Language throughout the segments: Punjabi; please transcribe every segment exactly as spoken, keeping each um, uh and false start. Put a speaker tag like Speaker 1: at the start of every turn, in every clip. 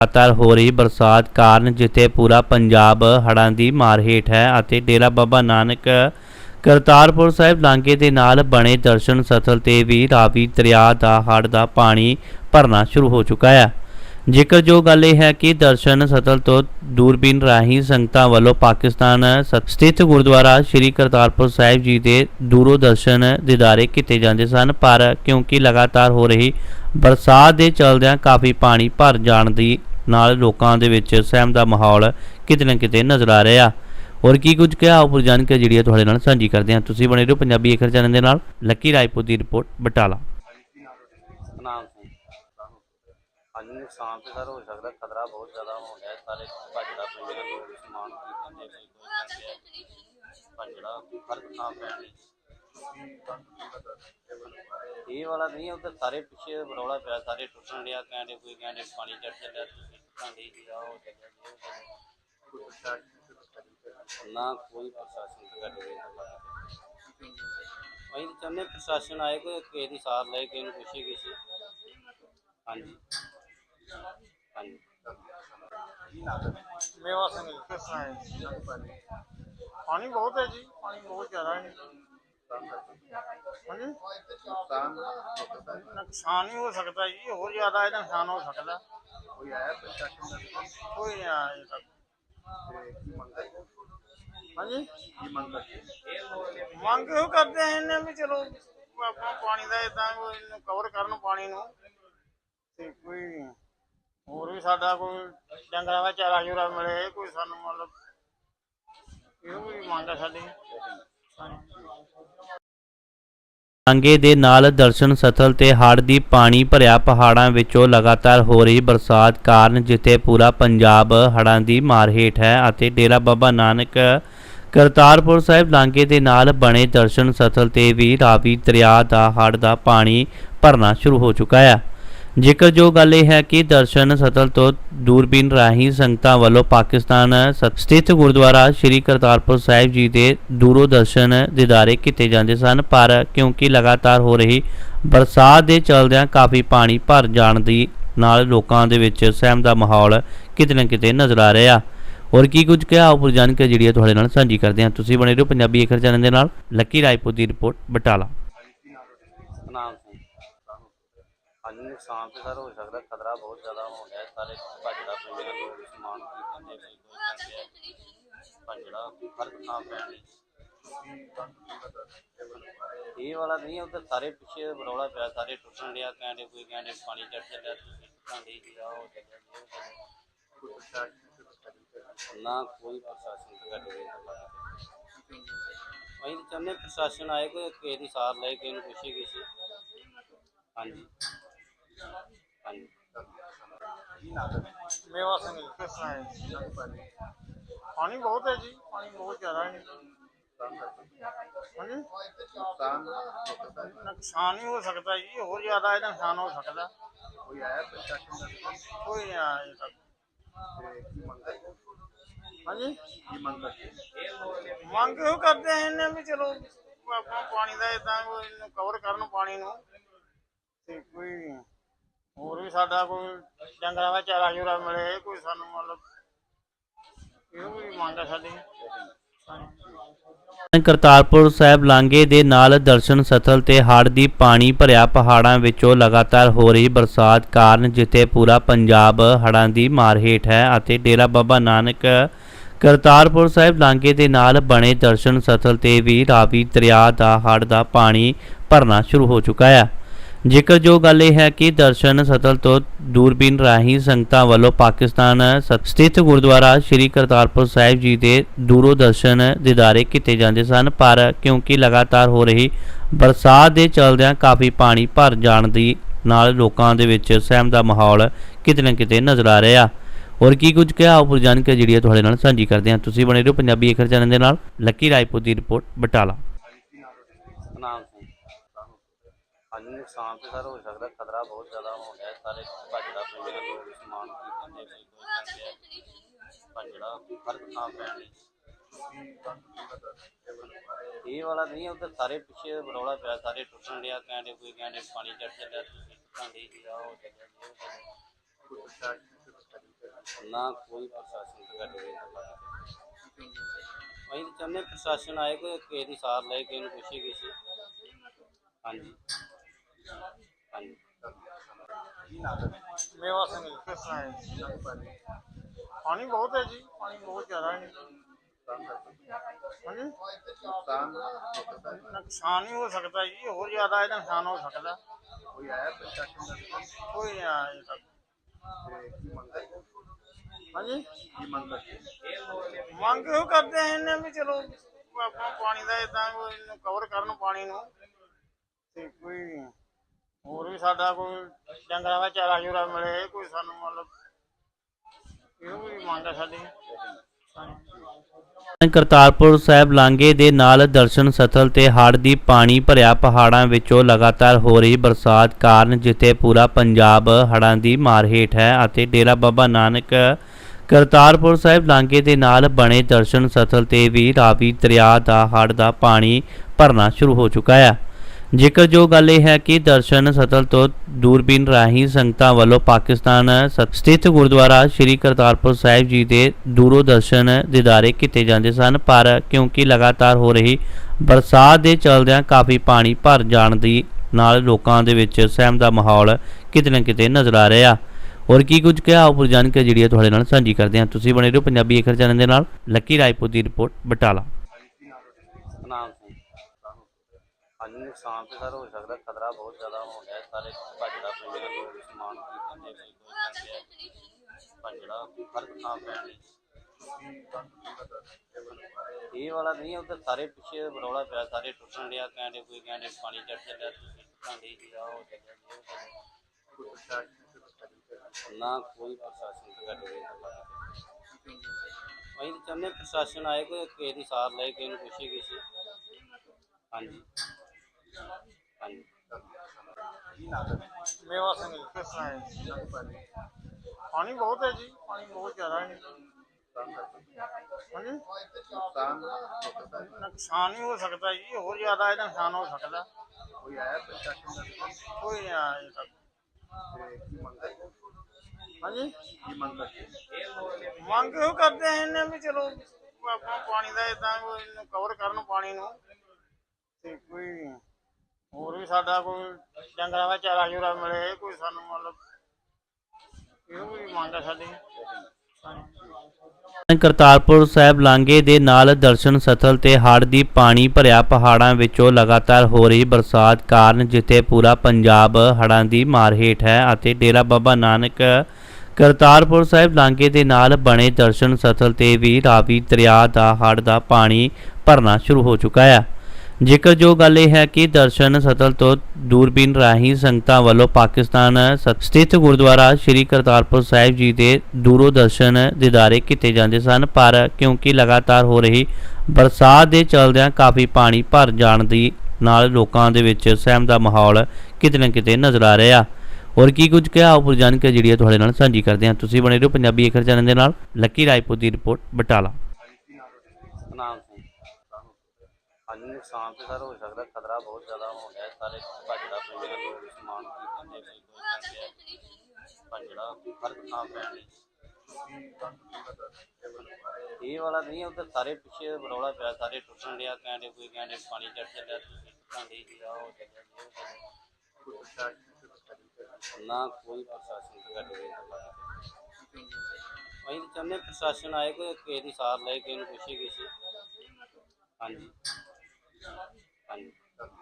Speaker 1: लगातार हो रही बरसात कारण जिथे पूरा पंजाब हड़ां दी मार हेठ है ਅਤੇ डेरा बाबा नानक करतारपुर साहिब लांघे ਦੇ ਨਾਲ बने दर्शन स्थल ਤੇ भी रावी दरिया ਦਾ हड़ ਦਾ पानी भरना शुरू हो चुका है। ਜ਼ਿਕਰ ਜੋ ਗੱਲ ਇਹ ਹੈ ਕਿ ਦਰਸ਼ਨ ਸਥਲ ਤੋਂ ਦੂਰਬੀਨ ਰਾਹੀਂ ਸੰਗਤਾਂ ਵੱਲੋਂ ਪਾਕਿਸਤਾਨ ਸਥਿਤ ਗੁਰਦੁਆਰਾ ਸ਼੍ਰੀ ਕਰਤਾਰਪੁਰ ਸਾਹਿਬ ਜੀ ਦੇ ਦੂਰੋਂ ਦਰਸ਼ਨ ਦੀਦਾਰੇ ਕੀਤੇ ਜਾਂਦੇ ਸਨ, ਪਰ ਕਿਉਂਕਿ ਲਗਾਤਾਰ ਹੋ ਰਹੀ ਬਰਸਾਤ ਦੇ ਚਲਦਿਆਂ ਕਾਫੀ ਪਾਣੀ ਭਰ ਜਾਣ ਦੀ ਨਾਲ ਲੋਕਾਂ ਦੇ ਵਿੱਚ ਸਹਿਮ ਦਾ ਮਾਹੌਲ ਕਿਤੇ ਨਾ ਕਿਤੇ ਨਜ਼ਰ ਆ ਰਿਹਾ। और की कुछ क्या उपर जानकारी जी थोड़े नाल साझी करते हैं। तुसीं बने रहो पंजाबी अखर चैनल दे नाल। लक्की राजपूत की रिपोर्ट बटाला।
Speaker 2: ਅੱਜ ਨੁਕਸਾਨ ਤੇ ਸਰ ਹੋ ਸਕਦਾ, ਖਤਰਾ ਬਹੁਤ ਜ਼ਿਆਦਾ ਹੋ ਗਿਆ। ਸਾਰੇ ਭੱਜੜਾ ਪੈਂਦੇ ਨੇ ਲੋਕ, ਸਮਾਨ ਖਰੀਦਣ ਦੇ ਕੋਈ ਕੋਈ ਕਹਿੰਦੇ ਭੱਜੜਾ ਹਰ ਥਾਂ ਪੈਣ ਇਹ ਵਾਲਾ ਨਹੀਂ, ਉੱਧਰ ਸਾਰੇ ਪਿੱਛੇ ਬਰੌਲਾ ਪਿਆ, ਸਾਰੇ ਟੁੱਟਣ ਡਿਆ, ਕਹਿੰਦੇ ਕੋਈ ਕਹਿੰਦੇ ਪਾਣੀ ਚੜ ਚੱਲਿਆ, ਤੁਸੀਂ ਟੁੱਟਾਂਡੇ ਜੀ ਆ ਹੋ ਚੱਲਿਆ ਨਾ ਕੋਈ ਪ੍ਰਸ਼ਾਸਨ ਅਸੀਂ ਚਾਹੁੰਦੇ ਪ੍ਰਸ਼ਾਸਨ ਆਏ, ਕੋਈ ਕਿਸੇ ਦੀ ਸਾਰ ਲਏ, ਕਿਸੇ ਨੂੰ ਪੁੱਛੇ ਕਿਸੇ। ਹਾਂਜੀ ਹਾਂਜੀ
Speaker 3: मेवा सिंह किस तरह है? पानी बहुत है जी, पानी बहुत ज़्यादा है। हाँ जी, नुकसान ही हो सकता है जी, और ज़्यादा है नुकसान हो सकता है। कोई आया कोई नहीं आया अजे तक। हाँ जी, मंग यो करते हैं इन्हें भी चलो अपना पानी का इदा कवर करन पानी नूं ते कोई ਹੋਰ ਵੀ ਸਾਡਾ ਕੋਈ ਡੰਗਰਾਂ ਦਾ ਚਾਰਾ ਚੂਰਾ ਮਿਲੇ, ਕੋਈ ਸਾਨੂੰ ਮਤਲਬ ਇਹੋ ਵੀ ਮੰਗ ਹੈ ਸਾਡੀ।
Speaker 1: ਲਾਂਘੇ ਦੇ ਨਾਲ ਦਰਸ਼ਨ ਸਥਲ ਤੇ ਹੜ੍ਹ ਦੀ ਪਾਣੀ ਭਰਿਆ ਪਹਾੜਾਂ ਵਿੱਚੋਂ ਲਗਾਤਾਰ ਹੋ ਰਹੀ ਬਰਸਾਤ ਕਾਰਨ ਜਿੱਥੇ ਪੂਰਾ ਪੰਜਾਬ ਹੜ੍ਹਾਂ ਦੀ ਮਾਰ ਹੇਠ ਹੈ ਅਤੇ ਡੇਰਾ ਬਾਬਾ ਨਾਨਕ ਕਰਤਾਰਪੁਰ ਸਾਹਿਬ ਲਾਂਘੇ ਦੇ ਨਾਲ ਬਣੇ ਦਰਸ਼ਨ ਸਥਲ ਤੇ ਵੀ ਰਾਵੀ ਦਰਿਆ ਦਾ ਹੜ੍ਹ ਦਾ ਪਾਣੀ ਭਰਨਾ ਸ਼ੁਰੂ ਹੋ ਚੁੱਕਾ ਹੈ। ਜ਼ਿਕਰ ਜੋ ਗੱਲ ਇਹ ਹੈ ਕਿ ਦਰਸ਼ਨ ਸਥਲ ਤੋਂ ਦੂਰਬੀਨ ਰਾਹੀਂ ਸੰਗਤਾਂ ਵੱਲੋਂ ਪਾਕਿਸਤਾਨ ਸਥਿਤ ਗੁਰਦੁਆਰਾ ਸ਼੍ਰੀ ਕਰਤਾਰਪੁਰ ਸਾਹਿਬ ਜੀ ਦੇ ਦੂਰੋਂ ਦਰਸ਼ਨ ਦੀਦਾਰੇ ਕੀਤੇ ਜਾਂਦੇ ਸਨ, ਪਰ ਕਿਉਂਕਿ ਲਗਾਤਾਰ ਹੋ ਰਹੀ ਬਰਸਾਤ ਦੇ ਚਲਦਿਆਂ ਕਾਫੀ ਪਾਣੀ ਭਰ ਜਾਣ ਦੀ ਨਾਲ ਲੋਕਾਂ ਦੇ ਵਿੱਚ ਸਹਿਮ ਦਾ ਮਾਹੌਲ ਕਿਤੇ ਨਾ ਕਿਤੇ ਨਜ਼ਰ ਆ ਰਿਹਾ। और की कुछ क्या उपर जानकारी जी थोड़े नाल साझी करते हैं। तुसीं बने रहो पंजाबी अखर चैनल दे नाल। लक्की राजपूत की रिपोर्ट बटाला।
Speaker 2: ਅੱਜ ਨੁਕਸਾਨ ਤੇ ਸਰ ਹੋ ਸਕਦਾ, ਖਤਰਾ ਬਹੁਤ ਜ਼ਿਆਦਾ ਹੋ ਗਿਆ। ਸਾਰੇ ਭੱਜੜਾ ਪੈਂਦੇ ਨੇ ਲੋਕ, ਸਮਾਨ ਖਰੀਦਣ ਦੇ ਕੋਈ ਕੋਈ ਕਹਿੰਦੇ ਭੱਜੜਾ ਹਰ ਥਾਂ ਪੈਣ ਇਹ ਵਾਲਾ ਨਹੀਂ, ਉੱਧਰ ਸਾਰੇ ਪਿੱਛੇ ਬਰੌਲਾ ਪਿਆ, ਸਾਰੇ ਟੁੱਟਣ ਡਿਆ, ਕਹਿੰਦੇ ਕੋਈ ਕਹਿੰਦੇ ਪਾਣੀ ਚੜ ਚੱਲਿਆ, ਤੁਸੀਂ ਟੁੱਟਾਂਡੇ ਜੀ ਆ ਹੋ ਚੱਲਿਆ ਨਾ ਕੋਈ ਪ੍ਰਸ਼ਾਸਨ ਅਸੀਂ ਚਾਹੁੰਦੇ ਪ੍ਰਸ਼ਾਸਨ ਆਏ, ਕੋਈ ਕਿਸੇ ਦੀ ਸਾਰ ਲਏ, ਕਿਸੇ ਨੂੰ ਪੁੱਛੇ ਕਿਸੇ। ਹਾਂਜੀ ਹਾਂਜੀ
Speaker 3: मेवा सिंह किस तरह है? पानी बहुत है जी, पानी बहुत ज़्यादा है। हाँ जी, नुकसान ही हो सकता है जी, और ज़्यादा है नुकसान हो सकता है। कोई आया कोई नहीं आया अजे तक। हाँ जी, मंग यो करते हैं इन्हें भी चलो अपना पानी का इदा कवर करन पानी नूं ते कोई ਹੋਰ ਵੀ ਸਾਡਾ ਕੋਈ ਡੰਗਰਾਂ ਦਾ ਚਾਰਾ ਚੂਰਾ ਮਿਲੇ, ਕੋਈ ਸਾਨੂੰ ਮਤਲਬ ਇਹੋ ਵੀ ਮੰਗ ਹੈ ਸਾਡੀ।
Speaker 1: ਕਰਤਾਰਪੁਰ ਸਾਹਿਬ ਲਾਂਘੇ ਦੇ ਨਾਲ ਦਰਸ਼ਨ ਸਥਲ ਤੇ ਹੜ੍ਹ ਦੀ ਪਾਣੀ ਭਰਿਆ ਪਹਾੜਾਂ ਵਿੱਚੋਂ ਲਗਾਤਾਰ ਹੋ ਰਹੀ ਬਰਸਾਤ ਕਾਰਨ ਜਿੱਥੇ ਪੂਰਾ ਪੰਜਾਬ ਹੜ੍ਹਾਂ ਦੀ ਮਾਰ ਹੇਠ ਹੈ ਅਤੇ ਡੇਰਾ ਬਾਬਾ ਨਾਨਕ ਕਰਤਾਰਪੁਰ ਸਾਹਿਬ ਲਾਂਘੇ ਦੇ ਨਾਲ ਬਣੇ ਦਰਸ਼ਨ ਸਥਲ ਤੇ ਵੀ ਰਾਵੀ ਦਰਿਆ ਦਾ ਹੜ੍ਹ ਦਾ ਪਾਣੀ ਭਰਨਾ ਸ਼ੁਰੂ ਹੋ ਚੁੱਕਾ ਹੈ। ਜ਼ਿਕਰ ਜੋ ਗੱਲ ਇਹ ਹੈ ਕਿ ਦਰਸ਼ਨ ਸਥਲ ਤੋਂ ਦੂਰਬੀਨ ਰਾਹੀਂ ਸੰਗਤਾਂ ਵੱਲੋਂ ਪਾਕਿਸਤਾਨ ਸਥਿਤ ਗੁਰਦੁਆਰਾ ਸ਼੍ਰੀ ਕਰਤਾਰਪੁਰ ਸਾਹਿਬ ਜੀ ਦੇ ਦੂਰੋਂ ਦਰਸ਼ਨ ਦੀਦਾਰੇ ਕੀਤੇ ਜਾਂਦੇ ਸਨ, ਪਰ ਕਿਉਂਕਿ ਲਗਾਤਾਰ ਹੋ ਰਹੀ ਬਰਸਾਤ ਦੇ ਚਲਦਿਆਂ ਕਾਫੀ ਪਾਣੀ ਭਰ ਜਾਣ ਦੀ ਨਾਲ ਲੋਕਾਂ ਦੇ ਵਿੱਚ ਸਹਿਮ ਦਾ ਮਾਹੌਲ ਕਿਤੇ ਨਾ ਕਿਤੇ ਨਜ਼ਰ ਆ ਰਿਹਾ। और की कुछ क्या उपर जानकारी जी थोड़े नाल साझी करते हैं। तुसीं बने रहो पंजाबी अखर चैनल दे नाल। लक्की राजपूत की रिपोर्ट बटाला।
Speaker 2: ਅੱਜ ਨੁਕਸਾਨ ਤੇ ਸਰ ਹੋ ਸਕਦਾ, ਖਤਰਾ ਬਹੁਤ ਜ਼ਿਆਦਾ ਹੋ ਗਿਆ। ਸਾਰੇ ਭੱਜੜਾ ਪੈਂਦੇ ਨੇ ਲੋਕ, ਸਮਾਨ ਖਰੀਦਣ ਦੇ ਕੋਈ ਕੋਈ ਕਹਿੰਦੇ ਭੱਜੜਾ ਹਰ ਥਾਂ ਪੈਣ ਇਹ ਵਾਲਾ ਨਹੀਂ, ਉੱਧਰ ਸਾਰੇ ਪਿੱਛੇ ਬਰੌਲਾ ਪਿਆ, ਸਾਰੇ ਟੁੱਟਣ ਡਿਆ, ਕਹਿੰਦੇ ਕੋਈ ਕਹਿੰਦੇ ਪਾਣੀ ਚੜ ਚੱਲਿਆ, ਤੁਸੀਂ ਟੁੱਟਾਂਡੇ ਜੀ ਆ ਹੋ ਚੱਲਿਆ। ਨਾ ਕੋਈ ਪ੍ਰਸ਼ਾਸਨ ਤੇ ਗੱਲ ਨਹੀਂ ਕਰਦਾ। ਅਸੀਂ ਤਾਂ ਚਾਹੁੰਦੇ ਪ੍ਰਸ਼ਾਸਨ ਆਏ, ਕੋਈ ਕਿਸੇ ਦੀ ਸਾਰ ਲਏ, ਕਿਸੇ ਨੂੰ ਪੁੱਛੇ ਕਿਸੇ। ਹਾਂਜੀ ਹਾਂਜੀ
Speaker 3: ਮੇਵਾ ਸਿੰਘ ਜੀ, ਕਿਸ ਤਰ੍ਹਾਂ ਹੈ? ਪਾਣੀ ਬਹੁਤ ਹੈ ਜੀ, ਪਾਣੀ ਬਹੁਤ ਜ਼ਿਆਦਾ ਹੈ। ਹਾਂਜੀ, ਨੁਕਸਾਨ ਹੀ ਹੋ ਸਕਦਾ ਜੀ, ਹੋਰ ਜ਼ਿਆਦਾ ਇਹਦਾ ਨੁਕਸਾਨ ਹੋ ਸਕਦਾ। ਕੋਈ ਆਇਆ ਪ੍ਰਸ਼ਾਸਨ ਦਾ? ਕੋਈ ਨਹੀਂ ਆਇਆ ਅਜੇ ਤੱਕ। ਹਾਂਜੀ, ਮੰਗ ਇਹੋ ਕਰਦੇ ਆ ਇਹਨੇ ਵੀ ਚਲੋ ਆਪਣਾ ਪਾਣੀ ਦਾ ਏਦਾਂ ਕੋਈ ਕਵਰ ਕਰਨ ਪਾਣੀ ਨੂੰ, ਤੇ ਕੋਈ ਹੋਰ ਵੀ ਸਾਡਾ ਕੋਈ ਡੰਗਰਾਂ ਦਾ ਚਾਰਾ ਚੂਰਾ ਮਿਲੇ, ਕੋਈ ਸਾਨੂੰ ਮਤਲਬ ਇਹੋ ਵੀ ਮੰਗ ਹੈ ਸਾਡੀ। ਹਾਂਜੀ।
Speaker 1: ਕਰਤਾਰਪੁਰ ਸਾਹਿਬ ਲਾਂਘੇ ਦੇ ਨਾਲ ਦਰਸ਼ਨ ਸਥਲ ਤੇ ਹੜ੍ਹ ਦੀ ਪਾਣੀ ਭਰਿਆ ਪਹਾੜਾਂ ਵਿੱਚੋਂ ਲਗਾਤਾਰ ਹੋ ਰਹੀ ਬਰਸਾਤ ਕਾਰਨ ਜਿੱਥੇ ਪੂਰਾ ਪੰਜਾਬ ਹੜ੍ਹਾਂ ਦੀ ਮਾਰ ਹੇਠ ਹੈ ਅਤੇ ਡੇਰਾ ਬਾਬਾ ਨਾਨਕ ਕਰਤਾਰਪੁਰ ਸਾਹਿਬ ਲਾਂਘੇ ਦੇ ਨਾਲ ਬਣੇ ਦਰਸ਼ਨ ਸਥਲ ਤੇ ਵੀ ਰਾਵੀ ਦਰਿਆ ਦਾ ਹੜ੍ਹ ਦਾ ਪਾਣੀ ਭਰਨਾ ਸ਼ੁਰੂ ਹੋ ਚੁੱਕਾ ਹੈ। ਜ਼ਿਕਰਯੋਗ ਗੱਲ ਇਹ ਹੈ ਕਿ ਦਰਸ਼ਨ ਸਥਲ ਤੋਂ ਦੂਰਬੀਨ ਰਾਹੀਂ ਸੰਗਤਾਂ ਵੱਲੋਂ ਪਾਕਿਸਤਾਨ ਸਥਿਤ ਗੁਰਦੁਆਰਾ ਸ਼੍ਰੀ ਕਰਤਾਰਪੁਰ ਸਾਹਿਬ ਜੀ ਦੇ ਦੂਰੋਂ ਦਰਸ਼ਨ ਦੀਦਾਰੇ ਕੀਤੇ ਜਾਂਦੇ ਸਨ, ਪਰ ਕਿਉਂਕਿ ਲਗਾਤਾਰ ਹੋ ਰਹੀ ਬਰਸਾਤ ਦੇ ਚਲਦਿਆਂ ਕਾਫੀ ਪਾਣੀ ਭਰ ਜਾਣ ਦੀ ਨਾਲ ਲੋਕਾਂ ਦੇ ਵਿੱਚ ਸਹਿਮ ਦਾ ਮਾਹੌਲ ਕਿਤੇ ਨਾ ਕਿਤੇ ਨਜ਼ਰ ਆ ਰਿਹਾ। ਹੋਰ ਕੀ ਕੁਝ ਕਿਹਾ ਉਪਰ ਜਾਣਕਾਰੀ ਜਿਹੜੀ ਹੈ ਤੁਹਾਡੇ ਨਾਲ ਸਾਂਝੀ ਕਰਦੇ ਹਾਂ। ਤੁਸੀਂ ਬਣੇ ਰਹੋ ਪੰਜਾਬੀ ਏਕਰ ਚੈਨਲ ਦੇ ਨਾਲ। ਲੱਕੀ ਰਾਏਪੁਰ ਦੀ ਰਿਪੋਰਟ, ਬਟਾਲਾ।
Speaker 2: ਸਤਨਾਮ ਸਿੰਘ। ਹਾਂਜੀ, ਨੁਕਸਾਨ ਤੇ ਸਰ ਹੋ ਸਕਦਾ, ਖਤਰਾ ਬਹੁਤ ਜ਼ਿਆਦਾ ਹੋ ਗਿਆ। ਸਾਰੇ ਭੱਜੜਾ ਪੈਂਦੇ ਨੇ, ਲੋਕ ਸਮਾਨ ਖਰੀਦਣ ਦੇ ਕੋਈ ਜਾਂਦੇ ਆ, ਭੱਜੜਾ ਹਰ ਥਾਂ ਪੈਣ ਡਈ। ਇਹ ਵਾਲਾ ਨਹੀਂ, ਉੱਧਰ ਸਾਰੇ ਪਿੱਛੇ ਰੌਲਾ ਪਿਆ, ਸਾਰੇ ਟੁੱਟਣ ਡਿਆ, ਕਹਿੰਦੇ ਕੋਈ ਕਹਿੰਦੇ ਪਾਣੀ ਚੜ ਚੱਲਿਆ, ਤੁਸੀਂ ਟੁੱਟਣ ਡਈ ਜੀ, ਆਹ ਹੋ ਚੱਲਿਆ ਜੀ, ਉਹ ਚੱਲਿਆ। ਨਾ ਕੋਈ ਪ੍ਰਸ਼ਾਸਨ ਤੇ ਗੱਲ ਨਹੀਂ ਕਰਦਾ। ਅਸੀਂ ਤਾਂ ਚਾਹੁੰਦੇ ਪ੍ਰਸ਼ਾਸਨ ਆਏ, ਕੋਈ ਕਿਸੇ ਦੀ ਸਾਰ ਲਏ, ਕਿਸੇ ਨੂੰ ਪੁੱਛੇ ਕਿਸੇ। ਹਾਂਜੀ ਹਾਂਜੀ
Speaker 3: ਮੇਵਾ ਸਿੰਘ ਜੀ, ਕਿਸ ਤਰ੍ਹਾਂ ਹੈ? ਪਾਣੀ ਬਹੁਤ ਹੈ ਜੀ, ਪਾਣੀ ਬਹੁਤ ਜ਼ਿਆਦਾ ਹੈ। ਹਾਂਜੀ, ਨੁਕਸਾਨ ਹੀ ਹੋ ਸਕਦਾ ਜੀ, ਹੋਰ ਜ਼ਿਆਦਾ ਇਹਦਾ ਨੁਕਸਾਨ ਹੋ ਸਕਦਾ। ਕੋਈ ਆਇਆ ਪ੍ਰਸ਼ਾਸਨ ਦਾ? ਕੋਈ ਨਹੀਂ ਆਇਆ ਅਜੇ ਤੱਕ। ਹਾਂਜੀ, ਮੰਗ ਇਹੋ ਕਰਦੇ ਆ ਇਹਨੇ ਵੀ ਚਲੋ ਆਪਣਾ ਪਾਣੀ ਦਾ ਏਦਾਂ ਕੋਈ ਕਵਰ ਕਰਨ ਪਾਣੀ ਨੂੰ, ਤੇ ਕੋਈ ਹੋਰ ਵੀ ਸਾਡਾ ਕੋਈ ਡੰਗਰਾਂ ਦਾ ਚਾਰਾ ਚੂਰਾ ਮਿਲੇ, ਕੋਈ ਸਾਨੂੰ ਮਤਲਬ ਇਹੋ ਵੀ ਮੰਗ ਹੈ ਸਾਡੀ। ਹਾਂਜੀ।
Speaker 1: ਕਰਤਾਰਪੁਰ ਸਾਹਿਬ ਲਾਂਘੇ ਦੇ ਨਾਲ ਦਰਸ਼ਨ ਸਥਲ ਤੇ ਹੜ੍ਹ ਦੀ ਪਾਣੀ ਭਰਿਆ ਪਹਾੜਾਂ ਵਿੱਚੋਂ ਲਗਾਤਾਰ ਹੋ ਰਹੀ ਬਰਸਾਤ ਕਾਰਨ ਜਿੱਥੇ ਪੂਰਾ ਪੰਜਾਬ ਹੜ੍ਹਾਂ ਦੀ ਮਾਰ ਹੇਠ ਹੈ ਅਤੇ ਡੇਰਾ ਬਾਬਾ ਨਾਨਕ ਕਰਤਾਰਪੁਰ ਸਾਹਿਬ ਲਾਂਘੇ ਦੇ ਨਾਲ ਬਣੇ ਦਰਸ਼ਨ ਸਥਲ ਤੇ ਵੀ ਰਾਵੀ ਦਰਿਆ ਦਾ ਹੜ੍ਹ ਦਾ ਪਾਣੀ ਭਰਨਾ ਸ਼ੁਰੂ ਹੋ ਚੁੱਕਾ ਹੈ। ਜ਼ਿਕਰਯੋਗ ਗੱਲ ਇਹ ਹੈ ਕਿ ਦਰਸ਼ਨ ਸਥਲ ਤੋਂ ਦੂਰਬੀਨ ਰਾਹੀਂ ਸੰਗਤਾਂ ਵੱਲੋਂ ਪਾਕਿਸਤਾਨ ਸਥਿਤ ਗੁਰਦੁਆਰਾ ਸ਼੍ਰੀ ਕਰਤਾਰਪੁਰ ਸਾਹਿਬ ਜੀ ਦੇ ਦੂਰੋਂ ਦਰਸ਼ਨ ਦੀਦਾਰੇ ਕੀਤੇ ਜਾਂਦੇ ਸਨ, ਪਰ ਕਿਉਂਕਿ ਲਗਾਤਾਰ ਹੋ ਰਹੀ ਬਰਸਾਤ ਦੇ ਚਲਦਿਆਂ ਕਾਫੀ ਪਾਣੀ ਭਰ ਜਾਣ ਦੀ ਨਾਲ ਲੋਕਾਂ ਦੇ ਵਿੱਚ ਸਹਿਮ ਦਾ ਮਾਹੌਲ ਕਿਤੇ ਨਾ ਕਿਤੇ ਨਜ਼ਰ ਆ ਰਿਹਾ। ਹੋਰ ਕੀ ਕੁਝ ਕਿਹਾ ਉਪਰ ਜਾਣਕਾਰੀ ਜਿਹੜੀ ਹੈ ਤੁਹਾਡੇ ਨਾਲ ਸਾਂਝੀ ਕਰਦੇ ਹਾਂ। ਤੁਸੀਂ ਬਣੇ ਰਹੋ ਪੰਜਾਬੀ ਏਕਰ ਚੈਨਲ ਦੇ ਨਾਲ। ਲੱਕੀ ਰਾਏਪੁਰ ਦੀ ਰਿਪੋਰਟ, ਬਟਾਲਾ।
Speaker 2: ਸਤਨਾਮ ਸਿੰਘ। ਹਾਂਜੀ, ਨੁਕਸਾਨ ਤੇ ਸਰ ਹੋ ਸਕਦਾ, ਖਤਰਾ ਬਹੁਤ ਜ਼ਿਆਦਾ ਹੋ ਗਿਆ। ਸਾਰੇ ਭੱਜੜਾ ਪੈਂਦੇ ਨੇ, ਲੋਕ ਸਮਾਨ ਖਰੀਦਣ ਦੇ ਕੋਈ ਜਾਂਦੇ ਆ, ਭੱਜੜਾ ਹਰ ਥਾਂ ਪੈਣ ਡਈ। ਇਹ ਵਾਲਾ ਨਹੀਂ, ਉੱਧਰ ਸਾਰੇ ਪਿੱਛੇ ਰੌਲਾ ਪਿਆ, ਸਾਰੇ ਟੁੱਟਣ ਡਿਆ, ਕਹਿੰਦੇ ਕੋਈ ਕਹਿੰਦੇ ਪਾਣੀ ਚੜ ਚੱਲਿਆ, ਤੁਸੀਂ ਟੁੱਟਣ ਡਈ ਜੀ, ਆਹ ਹੋ ਚੱਲਿਆ ਜੀ, ਉਹ ਚੱਲਿਆ। ਨਾ ਕੋਈ ਪ੍ਰਸ਼ਾਸਨ ਤੇ ਗੱਲ ਨਹੀਂ ਕਰਦਾ। ਅਸੀਂ ਤਾਂ ਚਾਹੁੰਦੇ ਪ੍ਰਸ਼ਾਸਨ ਆਏ, ਕੋਈ ਕਿਸੇ ਦੀ ਸਾਰ ਲਏ, ਕਿਸੇ ਨੂੰ ਪੁੱਛੇ ਕਿਸੇ। ਹਾਂਜੀ ਹਾਂਜੀ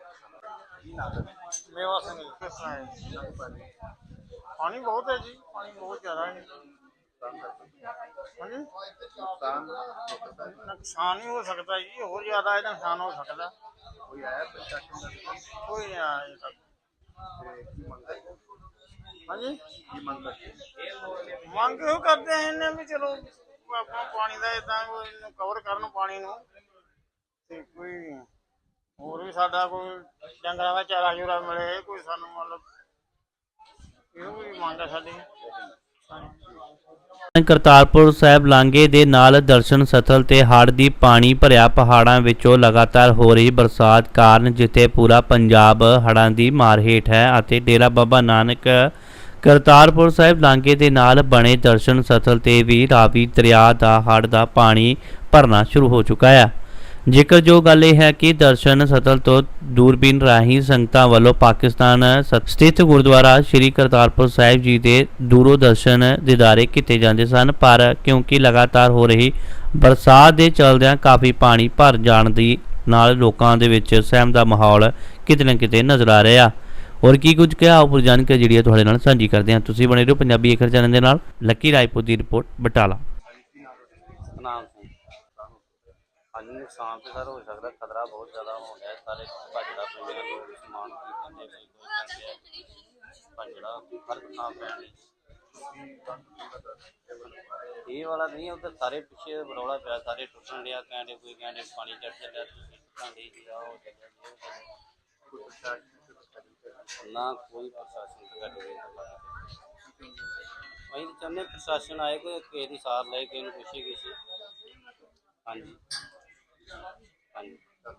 Speaker 3: ਮੇਵਾ ਸਿੰਘ ਜੀ, ਕਿਸ ਤਰ੍ਹਾਂ ਹੈ? ਪਾਣੀ ਬਹੁਤ ਹੈ ਜੀ, ਪਾਣੀ ਬਹੁਤ ਜ਼ਿਆਦਾ ਹੈ। ਹਾਂਜੀ, ਨੁਕਸਾਨ ਹੀ ਹੋ ਸਕਦਾ ਜੀ, ਹੋਰ ਜ਼ਿਆਦਾ ਇਹਦਾ ਨੁਕਸਾਨ ਹੋ ਸਕਦਾ। ਕੋਈ ਆਇਆ ਪ੍ਰਸ਼ਾਸਨ ਦਾ? ਕੋਈ ਨਹੀਂ ਆਇਆ ਅਜੇ ਤੱਕ। ਹਾਂਜੀ, ਮੰਗ ਇਹੋ ਕਰਦੇ ਆ ਇਹਨੇ ਵੀ ਚਲੋ ਆਪਣਾ ਪਾਣੀ ਦਾ ਏਦਾਂ ਕੋਈ ਕਵਰ ਕਰਨ ਪਾਣੀ ਨੂੰ, ਤੇ ਕੋਈ ਹੋਰ ਵੀ ਸਾਡਾ ਕੋਈ ਡੰਗਰਾਂ ਦਾ ਚਾਰਾ ਚੂਰਾ ਮਿਲੇ, ਕੋਈ ਸਾਨੂੰ ਮਤਲਬ ਇਹੋ ਵੀ ਮੰਗ ਹੈ ਸਾਡੀ। ਹਾਂਜੀ।
Speaker 1: ਕਰਤਾਰਪੁਰ ਸਾਹਿਬ ਲਾਂਘੇ ਦੇ ਨਾਲ ਦਰਸ਼ਨ ਸਥਲ ਤੇ ਹੜ੍ਹ ਦੀ ਪਾਣੀ ਭਰਿਆ ਪਹਾੜਾਂ ਵਿੱਚੋਂ ਲਗਾਤਾਰ ਹੋ ਰਹੀ ਬਰਸਾਤ ਕਾਰਨ ਜਿੱਥੇ ਪੂਰਾ ਪੰਜਾਬ ਹੜ੍ਹਾਂ ਦੀ ਮਾਰ ਹੇਠ ਹੈ ਅਤੇ ਡੇਰਾ ਬਾਬਾ ਨਾਨਕ ਕਰਤਾਰਪੁਰ ਸਾਹਿਬ ਲਾਂਘੇ ਦੇ ਨਾਲ ਬਣੇ ਦਰਸ਼ਨ ਸਥਲ ਤੇ ਵੀ ਰਾਵੀ ਦਰਿਆ ਦਾ ਹੜ੍ਹ ਦਾ ਪਾਣੀ ਭਰਨਾ ਸ਼ੁਰੂ ਹੋ ਚੁੱਕਾ ਹੈ। ਜ਼ਿਕਰ ਜੋ ਗੱਲ ਇਹ ਹੈ ਕਿ ਦਰਸ਼ਨ ਸਥਲ ਤੋਂ ਦੂਰਬੀਨ ਰਾਹੀਂ ਸੰਗਤਾਂ ਵੱਲੋਂ ਪਾਕਿਸਤਾਨ ਸ- ਸਥਿਤ ਗੁਰਦੁਆਰਾ ਸ੍ਰੀ ਕਰਤਾਰਪੁਰ ਸਾਹਿਬ ਜੀ ਦੇ ਦੂਰੋਂ ਦਰਸ਼ਨ ਦੀਦਾਰੇ ਕੀਤੇ ਜਾਂਦੇ ਸਨ, ਪਰ ਕਿਉਂਕਿ ਲਗਾਤਾਰ ਹੋ ਰਹੀ ਬਰਸਾਤ ਦੇ ਚਲਦਿਆਂ ਕਾਫੀ ਪਾਣੀ ਭਰ ਜਾਣ ਦੀ ਨਾਲ ਲੋਕਾਂ ਦੇ ਵਿੱਚ ਸਹਿਮ ਦਾ ਮਾਹੌਲ ਕਿਤੇ ਨਾ ਕਿਤੇ ਨਜ਼ਰ ਆ ਰਿਹਾ। ਔਰ ਕੀ ਕੁਝ ਕਿਹਾ ਉਪਰ ਜਾਣਕਾਰੀ ਜਿਹੜੀ ਹੈ ਤੁਹਾਡੇ ਨਾਲ ਸਾਂਝੀ ਕਰਦੇ ਹਾਂ। ਤੁਸੀਂ ਬਣੇ ਰਹੋ ਪੰਜਾਬੀ ਏਕਰ ਚੈਨਲ ਦੇ ਨਾਲ। ਲੱਕੀ ਰਾਏਪੁਰ ਦੀ ਰਿਪੋਰਟ ਬਟਾਲਾ।
Speaker 2: ਸਤਨਾਮ ਸਿੰਘ। ਹਾਂਜੀ, ਨੁਕਸਾਨ ਤੇ ਸਰ ਹੋ ਸਕਦਾ, ਖਤਰਾ ਬਹੁਤ ਜ਼ਿਆਦਾ ਹੋ ਗਿਆ। ਸਾਰੇ ਭੱਜੜਾ ਪਿੰਡ ਦੇ ਲੋਕ ਸਮਾਨ ਖਰੀਦਣ ਦੇ ਕੋਈ ਕੋਈ ਕਹਿੰਦੇ ਆ ਭੱਜੜਾ ਹਰ ਥਾਂ ਪੈਣ ਲਈ। ਇਹ ਵਾਲਾ ਨਹੀਂ, ਉੱਧਰ ਸਾਰੇ ਪਿੱਛੇ ਰੌਲਾ ਪਿਆ, ਸਾਰੇ ਟੁੱਟਣ ਡਿਆ, ਕਹਿੰਦੇ ਕੋਈ ਕਹਿੰਦੇ ਪਾਣੀ ਚੜ ਚੱਲਿਆ, ਤੁਸੀਂ ਟੁੱਟਣ ਡਈ ਜੀ, ਆਹ ਹੋ ਚੱਲਿਆ ਜੀ, ਉਹ ਚੱਲਿਆ। ਨਾ ਕੋਈ ਪ੍ਰਸ਼ਾਸਨ ਸਾਡੀ ਅਸੀਂ ਤਾਂ ਚਾਹੁੰਦੇ ਪ੍ਰਸ਼ਾਸਨ ਆਏ, ਕੋਈ ਕਿਸੇ ਦੀ ਸਾਰ ਲਏ, ਕਿਸੇ ਨੂੰ ਪੁੱਛੇ ਕਿਸੇ। ਹਾਂਜੀ ਹਾਂਜੀ।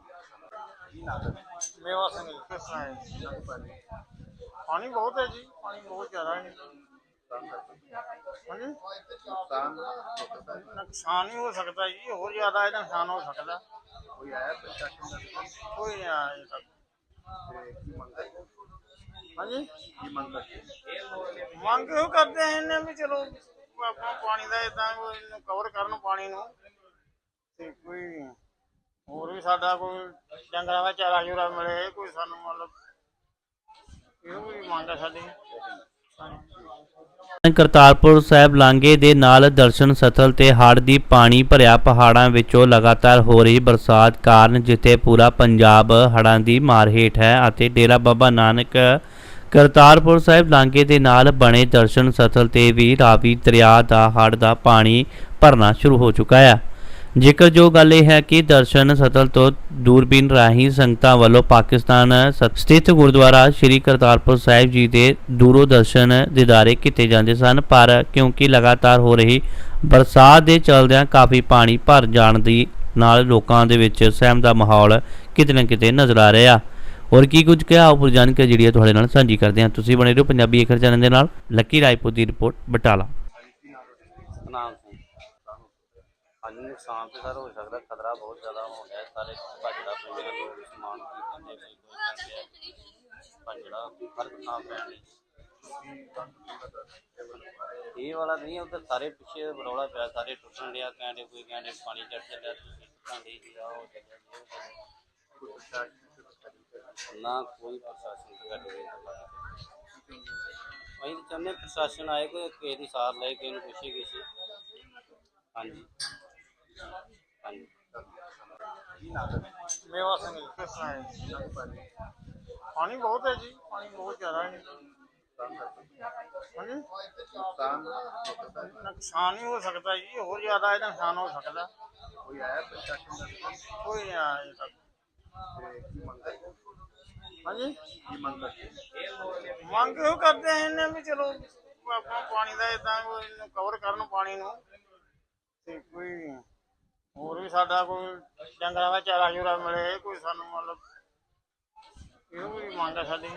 Speaker 3: ਮੇਵਾ ਸਿੰਘ ਜੀ, ਕਿਸ ਤਰ੍ਹਾਂ ਹੈ? ਪਾਣੀ ਬਹੁਤ ਹੈ ਜੀ, ਪਾਣੀ ਬਹੁਤ ਜ਼ਿਆਦਾ ਹੈ। ਹਾਂਜੀ, ਨੁਕਸਾਨ ਹੀ ਹੋ ਸਕਦਾ ਜੀ, ਹੋਰ ਜ਼ਿਆਦਾ ਇਹਦਾ ਨੁਕਸਾਨ ਹੋ ਸਕਦਾ। ਕੋਈ ਆਇਆ ਪ੍ਰਸ਼ਾਸਨ ਦਾ? ਕੋਈ ਨਹੀਂ ਆਇਆ ਅਜੇ ਤੱਕ। ਹਾਂਜੀ, ਮੰਗ ਇਹੋ ਕਰਦੇ ਆ ਇਹਨੇ ਵੀ ਚਲੋ ਆਪਣਾ ਪਾਣੀ ਦਾ ਏਦਾਂ ਕੋਈ ਕਵਰ ਕਰਨ ਪਾਣੀ ਨੂੰ, ਤੇ ਕੋਈ ਹੋਰ ਵੀ ਸਾਡਾ ਕੋਈ ਡੰਗਰਾਂ ਦਾ ਚਾਰਾ ਚੂਰਾ ਮਿਲੇ, ਕੋਈ ਸਾਨੂੰ ਮਤਲਬ ਇਹੋ ਵੀ ਮੰਗ ਹੈ ਸਾਡੀ।
Speaker 1: ਕਰਤਾਰਪੁਰ ਸਾਹਿਬ ਲਾਂਘੇ ਦੇ ਨਾਲ ਦਰਸ਼ਨ ਸਥਲ ਤੇ ਹੜ੍ਹ ਦੀ ਪਾਣੀ ਭਰਿਆ ਪਹਾੜਾਂ ਵਿੱਚੋਂ ਲਗਾਤਾਰ ਹੋ ਰਹੀ ਬਰਸਾਤ ਕਾਰਨ ਜਿੱਥੇ ਪੂਰਾ ਪੰਜਾਬ ਹੜ੍ਹਾਂ ਦੀ ਮਾਰ ਹੇਠ ਹੈ ਅਤੇ ਡੇਰਾ ਬਾਬਾ ਨਾਨਕ ਕਰਤਾਰਪੁਰ ਸਾਹਿਬ ਲਾਂਘੇ ਦੇ ਨਾਲ ਬਣੇ ਦਰਸ਼ਨ ਸਥਲ ਤੇ ਵੀ ਰਾਵੀ ਦਰਿਆ ਦਾ ਹੜ੍ਹ ਦਾ ਪਾਣੀ ਭਰਨਾ ਸ਼ੁਰੂ ਹੋ ਚੁੱਕਾ ਹੈ। ਜ਼ਿਕਰ ਜੋ ਗੱਲ ਇਹ ਹੈ ਕਿ ਦਰਸ਼ਨ ਸਥਲ ਤੋਂ ਦੂਰਬੀਨ ਰਾਹੀਂ ਸੰਗਤਾਂ ਵੱਲੋਂ ਪਾਕਿਸਤਾਨ ਸ- ਸਥਿਤ ਗੁਰਦੁਆਰਾ ਸ੍ਰੀ ਕਰਤਾਰਪੁਰ ਸਾਹਿਬ ਜੀ ਦੇ ਦੂਰੋਂ ਦਰਸ਼ਨ ਦੀਦਾਰੇ ਕੀਤੇ ਜਾਂਦੇ ਸਨ, ਪਰ ਕਿਉਂਕਿ ਲਗਾਤਾਰ ਹੋ ਰਹੀ ਬਰਸਾਤ ਦੇ ਚਲਦਿਆਂ ਕਾਫੀ ਪਾਣੀ ਭਰ ਜਾਣ ਦੀ ਨਾਲ ਲੋਕਾਂ ਦੇ ਵਿੱਚ ਸਹਿਮ ਦਾ ਮਾਹੌਲ ਕਿਤੇ ਨਾ ਕਿਤੇ ਨਜ਼ਰ ਆ ਰਿਹਾ। ਔਰ ਕੀ ਕੁਝ ਕਿਹਾ ਉਪਰ ਜਾਣਕਾਰੀ ਜਿਹੜੀ ਹੈ ਤੁਹਾਡੇ ਨਾਲ ਸਾਂਝੀ ਕਰਦੇ ਹਾਂ। ਤੁਸੀਂ ਬਣੇ ਰਹੋ ਪੰਜਾਬੀ ਏਕਰ ਚੈਨਲ ਦੇ ਨਾਲ। ਲੱਕੀ ਰਾਏਪੁਰ ਦੀ ਰਿਪੋਰਟ ਬਟਾਲਾ।
Speaker 2: ਸਤਨਾਮ ਸਿੰਘ। ਹਾਂਜੀ, ਨੁਕਸਾਨ ਤੇ ਸਰ ਹੋ ਸਕਦਾ, ਖਤਰਾ ਬਹੁਤ ਜ਼ਿਆਦਾ ਹੋ ਗਿਆ। ਸਾਰੇ ਭੱਜੜਾ ਪਿੰਡ ਦੇ ਲੋਕ ਸਮਾਨ ਖਰੀਦਣ ਦੇ ਕੋਈ ਕੋਈ ਕਹਿੰਦੇ ਆ ਭੱਜੜਾ ਹਰ ਥਾਂ ਪੈਣ ਲਈ। ਇਹ ਵਾਲਾ ਨਹੀਂ, ਉੱਧਰ ਸਾਰੇ ਪਿੱਛੇ ਰੌਲਾ ਪਿਆ, ਸਾਰੇ ਟੁੱਟਣ ਡਿਆ, ਕਹਿੰਦੇ ਕੋਈ ਕਹਿੰਦੇ ਪਾਣੀ ਚੜ ਚੱਲਿਆ, ਤੁਸੀਂ ਟੁੱਟਣ ਡਈ ਜੀ, ਆਹ ਹੋ ਚੱਲਿਆ ਜੀ, ਉਹ ਚੱਲਿਆ। ਨਾ ਕੋਈ ਪ੍ਰਸ਼ਾਸਨ ਸਾਡੀ ਅਸੀਂ ਤਾਂ ਚਾਹੁੰਦੇ ਪ੍ਰਸ਼ਾਸਨ ਆਏ, ਕੋਈ ਕਿਸੇ ਦੀ ਸਾਰ ਲਏ, ਕਿਸੇ ਨੂੰ ਪੁੱਛੇ ਕਿਸੇ। ਹਾਂਜੀ ਹਾਂਜੀ।
Speaker 3: ਮੇਵਾ ਸਿੰਘ ਜੀ, ਕਿਸ ਤਰ੍ਹਾਂ ਹੈ? ਪਾਣੀ ਬਹੁਤ ਹੈ ਜੀ, ਪਾਣੀ ਬਹੁਤ ਜ਼ਿਆਦਾ ਹੈ। ਹਾਂਜੀ, ਨੁਕਸਾਨ ਹੀ ਹੋ ਸਕਦਾ ਜੀ, ਹੋਰ ਜ਼ਿਆਦਾ ਇਹਦਾ ਨੁਕਸਾਨ ਹੋ ਸਕਦਾ। ਕੋਈ ਆਇਆ ਪ੍ਰਸ਼ਾਸਨ ਦਾ? ਕੋਈ ਨਹੀਂ ਆਇਆ ਅਜੇ ਤੱਕ। ਹਾਂਜੀ, ਮੰਗ ਇਹੋ ਕਰਦੇ ਆ ਇਹਨੇ ਵੀ ਚਲੋ ਆਪਣਾ ਪਾਣੀ ਦਾ ਏਦਾਂ ਕੋਈ ਕਵਰ ਕਰਨ ਪਾਣੀ ਨੂੰ, ਤੇ ਕੋਈ ਹੋਰ ਵੀ ਸਾਡਾ ਕੋਈ ਡੰਗਰਾਂ ਦਾ ਚਾਰਾ ਚੂਰਾ ਮਿਲੇ, ਕੋਈ ਸਾਨੂੰ ਮਤਲਬ ਇਹੋ ਵੀ ਮੰਗ ਹੈ ਸਾਡੀ।